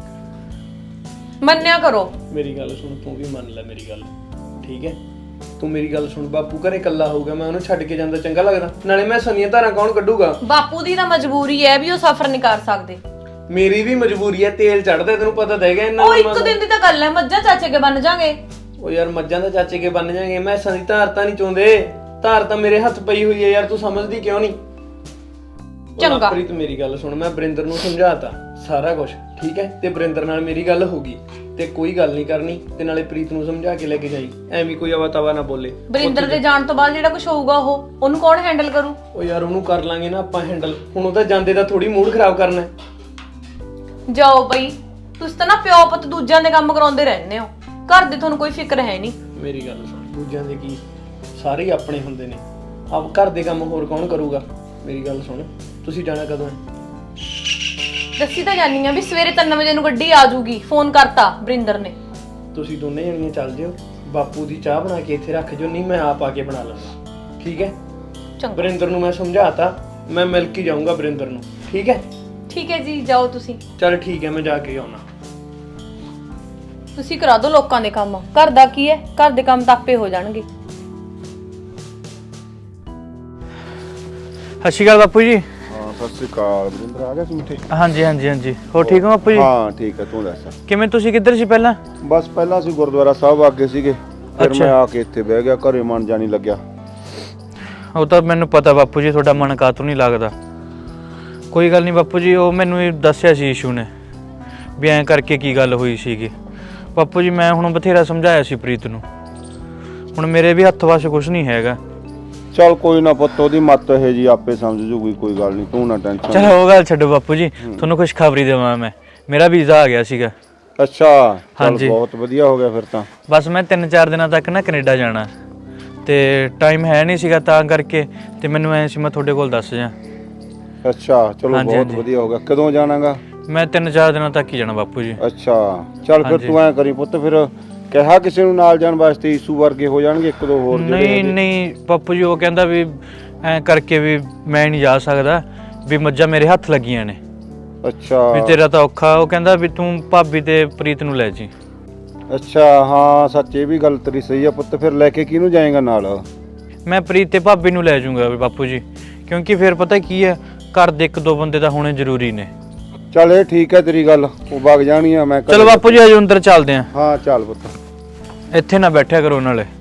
D: ਮੰਨਿਆ ਕਰੋ।
C: ਮੇਰੀ ਗੱਲ ਸੁਣ, ਤੂੰ ਵੀ ਮੰਨ ਲੈ ਮੇਰੀ ਗੱਲ, ਠੀਕ ਹੈ? ਤੂੰ ਮੇਰੀ ਗੱਲ ਸੁਣ, ਬਾਪੂ ਘਰੇ ਇਕੱਲਾ ਹੋਊਗਾ, ਮੈਂ ਉਹਨੂੰ ਛੱਡ ਕੇ ਜਾਂਦਾ ਚੰਗਾ ਲੱਗਦਾ? ਨਾਲੇ ਮੈਂ ਸੰਨੀਆਂ ਧਾਰਾਂ ਕੌਣ ਕੱਢੂਗਾ?
D: ਬਾਪੂ ਦੀ ਤਾਂ ਮਜਬੂਰੀ ਹੈ ਵੀ ਉਹ ਸਫ਼ਰ ਨਹੀਂ ਕਰ ਸਕਦੇ।
C: ਮੇਰੀ ਵੀ ਮਜਬੂਰੀ ਹੈ, ਤੇਲ ਚੜਦਾ ਤੈਨੂੰ ਪਤਾ ਤਾਂ ਹੈਗਾ ਇਹਨਾਂ
D: ਉਹ ਇੱਕ ਦਿਨ ਦੀ ਤਾਂ ਗੱਲ ਹੈ, ਮੱਝਾਂ ਚਾਚੇ ਕੇ ਬਣ ਜਾਗੇ।
C: ਉਹ ਯਾਰ ਮੱਝਾਂ ਦਾ ਚਾਚੇ ਕੇ ਬਣ ਜਾਗੇ, ਮੈਂ ਸੰਨੀ ਧਾਰ ਤਾਂ ਨਹੀਂ ਚਾਹੁੰਦੇ। ਧਾਰ ਤਾਂ ਮੇਰੇ ਹੱਥ ਪਈ ਹੋਈ ਹੈ ਯਾਰ, ਤੂੰ ਸਮਝਦੀ ਕਿਉਂ ਨਹੀਂ?
D: ਚੰਗਾ
C: ਪ੍ਰੀਤ ਮੇਰੀ ਗੱਲ ਸੁਣ, ਮੈਂ ਵਰਿੰਦਰ ਨੂੰ ਸਮਝਾਤਾ ਸਾਰਾ ਕੁਝ, ਠੀਕ ਹੈ? ਤੇ ਵਰਿੰਦਰ ਨਾਲ ਮੇਰੀ ਗੱਲ ਹੋ ਗਈ ਤੇ ਕੋਈ ਗੱਲ ਨਹੀਂ ਕਰਨੀ। ਤੇ ਨਾਲੇ ਪ੍ਰੀਤ ਨੂੰ ਸਮਝਾ ਕੇ ਲੈ ਕੇ ਜਾਈ, ਐਵੇਂ ਕੋਈ ਆਵਾ ਤਵਾ ਨਾ ਬੋਲੇ।
D: ਵਰਿੰਦਰ ਦੇ ਜਾਣ ਤੋਂ ਬਾਅਦ ਜਿਹੜਾ ਕੁਝ ਹੋਊਗਾ ਉਹਨੂੰ ਕੌਣ ਹੈਂਡਲ ਕਰੂ?
C: ਉਹ ਯਾਰ ਉਹਨੂੰ ਕਰ ਲਾਂਗੇ ਨਾ ਆਪਾਂ ਹੈਂਡਲ, ਹੁਣ ਉਹ ਤਾਂ ਜਾਂਦੇ ਦਾ ਥੋੜੀ ਮੂਡ ਖਰਾਬ ਕਰਨਾ ਹੈ।
D: ਜਾਓ ਬਈ, ਤੁਸੀਂ ਤਾਂ ਨਾ ਪਿਓ ਪੁੱਤ ਦੂਜਿਆਂ ਦੇ ਕੰਮ ਕਰਾਉਂਦੇ ਰਹਿੰਦੇ ਹੋ, ਘਰ ਦੀ ਤੁਹਾਨੂੰ ਕੋਈ ਫਿਕਰ ਹੈ ਨਹੀਂ।
C: ਮੇਰੀ ਗੱਲ ਸੁਣ, ਦੂਜਿਆਂ ਦੇ ਕੀ, ਸਾਰੇ ਹੀ ਆਪਣੇ ਹੁੰਦੇ ਨੇ। ਆਪ ਘਰ ਦੇ ਕੰਮ ਹੋਰ ਕੌਣ ਕਰੂਗਾ? ਮੇਰੀ ਗੱਲ ਸੁਣ, ਤੁਸੀਂ ਜਾਣਾ ਕਦੋਂ ਹੈ?
D: ਦੱਸੀ ਤਾਂ ਜਾਨੀ ਆ ਵੀ ਸਵੇਰੇ 3 ਵਜੇ ਨੂੰ ਗੱਡੀ ਆ ਜਾਊਗੀ, ਫੋਨ ਕਰਤਾ ਵਰਿੰਦਰ ਨੇ।
C: ਤੁਸੀਂ ਦੋਨੇ ਜਣੀਆਂ ਚੱਲ ਜਿਓ, ਬਾਪੂ ਦੀ ਚਾਹ ਬਣਾ ਕੇ ਇੱਥੇ ਰੱਖ ਜਿਓ, ਨਹੀਂ ਮੈਂ ਆਪ ਆ ਕੇ ਬਣਾ ਲਾਂਗਾ, ਠੀਕ ਹੈ?
D: ਚੰਗਾ,
C: ਵਰਿੰਦਰ ਨੂੰ ਮੈਂ ਸਮਝਾਤਾ, ਮੈਂ ਮਿਲ ਕੇ ਜਾਊਂਗਾ ਵਰਿੰਦਰ ਨੂੰ, ਠੀਕ ਹੈ?
D: ਠੀਕ ਹੈ ਜੀ, ਜਾਓ ਤੁਸੀਂ।
C: ਚਲ ਠੀਕ ਹੈ, ਮੈਂ ਜਾ ਕੇ ਆਉਣਾ।
D: ਤੁਸੀਂ ਕਰਾ ਦਿਓ ਲੋਕਾਂ ਦੇ ਕੰਮ, ਘਰ ਦਾ ਕੀ ਹੈ? ਘਰ ਦੇ ਕੰਮ ਤਾਂ ਆਪੇ ਹੋ ਜਾਣਗੇ।
F: ਸਤਿ ਸ਼੍ਰੀ ਅਕਾਲ ਬਾਪੂ ਜੀ।
E: ਹਾਂ ਸਤਿ ਸ੍ਰੀ ਅਕਾਲ। ਵਰਿੰਦਰ ਆ ਗਿਆ ਸੀ ਮਿੱਠੇ?
F: ਹਾਂਜੀ। ਹੋਰ ਠੀਕ ਹੋ ਬਾਪੂ ਜੀ?
E: ਹਾਂ ਠੀਕ ਹੈ, ਤੂੰ ਦੱਸ।
F: ਕਿਵੇਂ, ਤੁਸੀਂ ਕਿੱਧਰ ਸੀ ਪਹਿਲਾਂ?
E: ਬਸ ਪਹਿਲਾਂ ਅਸੀਂ ਗੁਰਦੁਆਰਾ ਸਾਹਿਬ ਆ ਗਏ ਸੀਗੇ, ਫਿਰ ਮੈਂ ਆ ਕੇ ਇੱਥੇ ਬਹਿ ਗਿਆ, ਘਰੇ ਮਨ ਜਾਣੀ ਲੱਗਿਆ।
F: ਉਹ ਤਾਂ ਮੈਨੂੰ ਪਤਾ ਬਾਪੂ ਜੀ, ਤੁਹਾਡਾ ਮਨ ਕਾਹਤੋਂ ਨਹੀਂ ਲੱਗਦਾ। ਕੋਈ ਗੱਲ ਨਹੀਂ ਬਾਪੂ ਜੀ, ਉਹ ਮੈਨੂੰ ਇਹ ਦੱਸਿਆ ਸੀ ਈਸ਼ੂ ਨੇ ਵੀ ਐਂ ਕਰਕੇ ਕੀ ਗੱਲ ਹੋਈ ਸੀਗੀ। ਬਾਪੂ ਜੀ ਮੈਂ ਹੁਣ ਬਥੇਰਾ ਸਮਝਾਇਆ ਸੀ ਪ੍ਰੀਤ ਨੂੰ, ਹੁਣ ਮੇਰੇ ਵੀ ਹੱਥ ਵਸ ਕੁਝ ਨਹੀਂ ਹੈਗਾ।
E: ਚੱਲ ਕੋਈ ਨਾ ਪੁੱਤ, ਉਹਦੀ ਮੱਤ ਇਹ ਜੀ ਆਪੇ ਸਮਝ ਜੂਗੀ, ਕੋਈ ਗੱਲ ਨਹੀਂ, ਤੂੰ ਨਾ ਟੈਨਸ਼ਨ।
F: ਚਲੋ ਉਹ ਗੱਲ ਛੱਡੋ ਬਾਪੂ ਜੀ, ਤੁਹਾਨੂੰ ਖੁਸ਼ਖਬਰੀ ਦੇਵਾਂ ਮੈਂ, ਮੇਰਾ ਵੀਜ਼ਾ ਆ ਗਿਆ ਸੀਗਾ।
E: ਅੱਛਾ,
F: ਹਾਂਜੀ।
E: ਚੱਲ ਬਹੁਤ ਵਧੀਆ ਹੋ ਗਿਆ ਫਿਰ ਤਾਂ।
F: ਬਸ ਮੈਂ 3-4 ਦਿਨਾਂ ਤੱਕ ਨਾ ਕੈਨੇਡਾ ਜਾਣਾ ਤੇ ਟਾਈਮ ਹੈ ਨਹੀਂ ਸੀਗਾ ਤਾਂ ਕਰਕੇ, ਤੇ ਮੈਨੂੰ ਐ ਸੀ ਮੈਂ ਤੁਹਾਡੇ ਕੋਲ ਦੱਸ ਜਾ।
E: ਅੱਛਾ ਚਲੋ ਬਹੁਤ ਵਧੀਆ ਹੋ ਗਿਆ। ਕਦੋਂ ਜਾਣਾਗਾ?
F: ਮੈਂ 3-4 ਦਿਨਾਂ ਤੱਕ ਹੀ ਜਾਣਾ ਬਾਪੂ ਜੀ।
E: ਅੱਛਾ ਚੱਲ ਫਿਰ ਤੂੰ ਐ ਕਰੀ ਪੁੱਤ, ਫਿਰ ਕਿਹਾ ਕਿਸੇ ਨੂੰ ਨਾਲ ਜਾਣ ਵਾਸਤੇ? ਈਸੂ ਵਰਗੇ ਹੋ ਜਾਣਗੇ ਇੱਕ ਦੋ ਹੋਰ ਜਿਹੜੇ।
F: ਨਹੀਂ ਬਾਪੂ ਜੀ, ਉਹ ਕਹਿੰਦਾ ਵੀ ਐ ਕਰਕੇ ਵੀ ਮੈਂ ਨਹੀਂ ਜਾ ਸਕਦਾ, ਵੀ ਮੱਝਾਂ ਮੇਰੇ ਹੱਥ ਲੱਗੀਆਂ ਨੇ।
E: ਅੱਛਾ
F: ਵੀ ਤੇਰਾ ਤਾਂ ਔਖਾ। ਉਹ ਕਹਿੰਦਾ ਵੀ ਤੂੰ ਭਾਬੀ ਤੇ ਪ੍ਰੀਤ ਨੂੰ ਲੈ ਜੀ।
E: ਅੱਛਾ ਹਾਂ ਸੱਚ, ਇਹ ਵੀ ਗੱਲ ਤੇਰੀ ਸਹੀ ਆ ਪੁੱਤ। ਫਿਰ ਲੈ ਕੇ ਕਿਹਨੂੰ ਜਾਏਗਾ ਨਾਲ?
F: ਮੈਂ ਪ੍ਰੀਤ ਤੇ ਭਾਬੀ ਨੂੰ ਲੈ ਜਾਊਂਗਾ ਵੀ ਬਾਪੂ ਜੀ, ਕਿਉਂਕਿ ਫਿਰ ਪਤਾ ਕੀ ਹੈ, ਘਰ ਦੇ 1-2 ਬੰਦੇ ਤਾਂ ਹੋਣੇ ਜ਼ਰੂਰੀ ਨੇ।
E: ਚੱਲ ਇਹ ਠੀਕ ਹੈ ਤੇਰੀ ਗੱਲ, ਉਹ ਵਗ ਜਾਣੀ ਆ। ਮੈਂ
F: ਚਲੋ ਬਾਪੂ ਜੀ ਆਜੋ ਅੰਦਰ ਚੱਲਦੇ ਆਂ।
E: ਹਾਂ ਚੱਲ ਪੁੱਤ।
F: ਇੱਥੇ ਨਾ ਬੈਠਿਆ ਕਰੋ ਨਾਲੇ।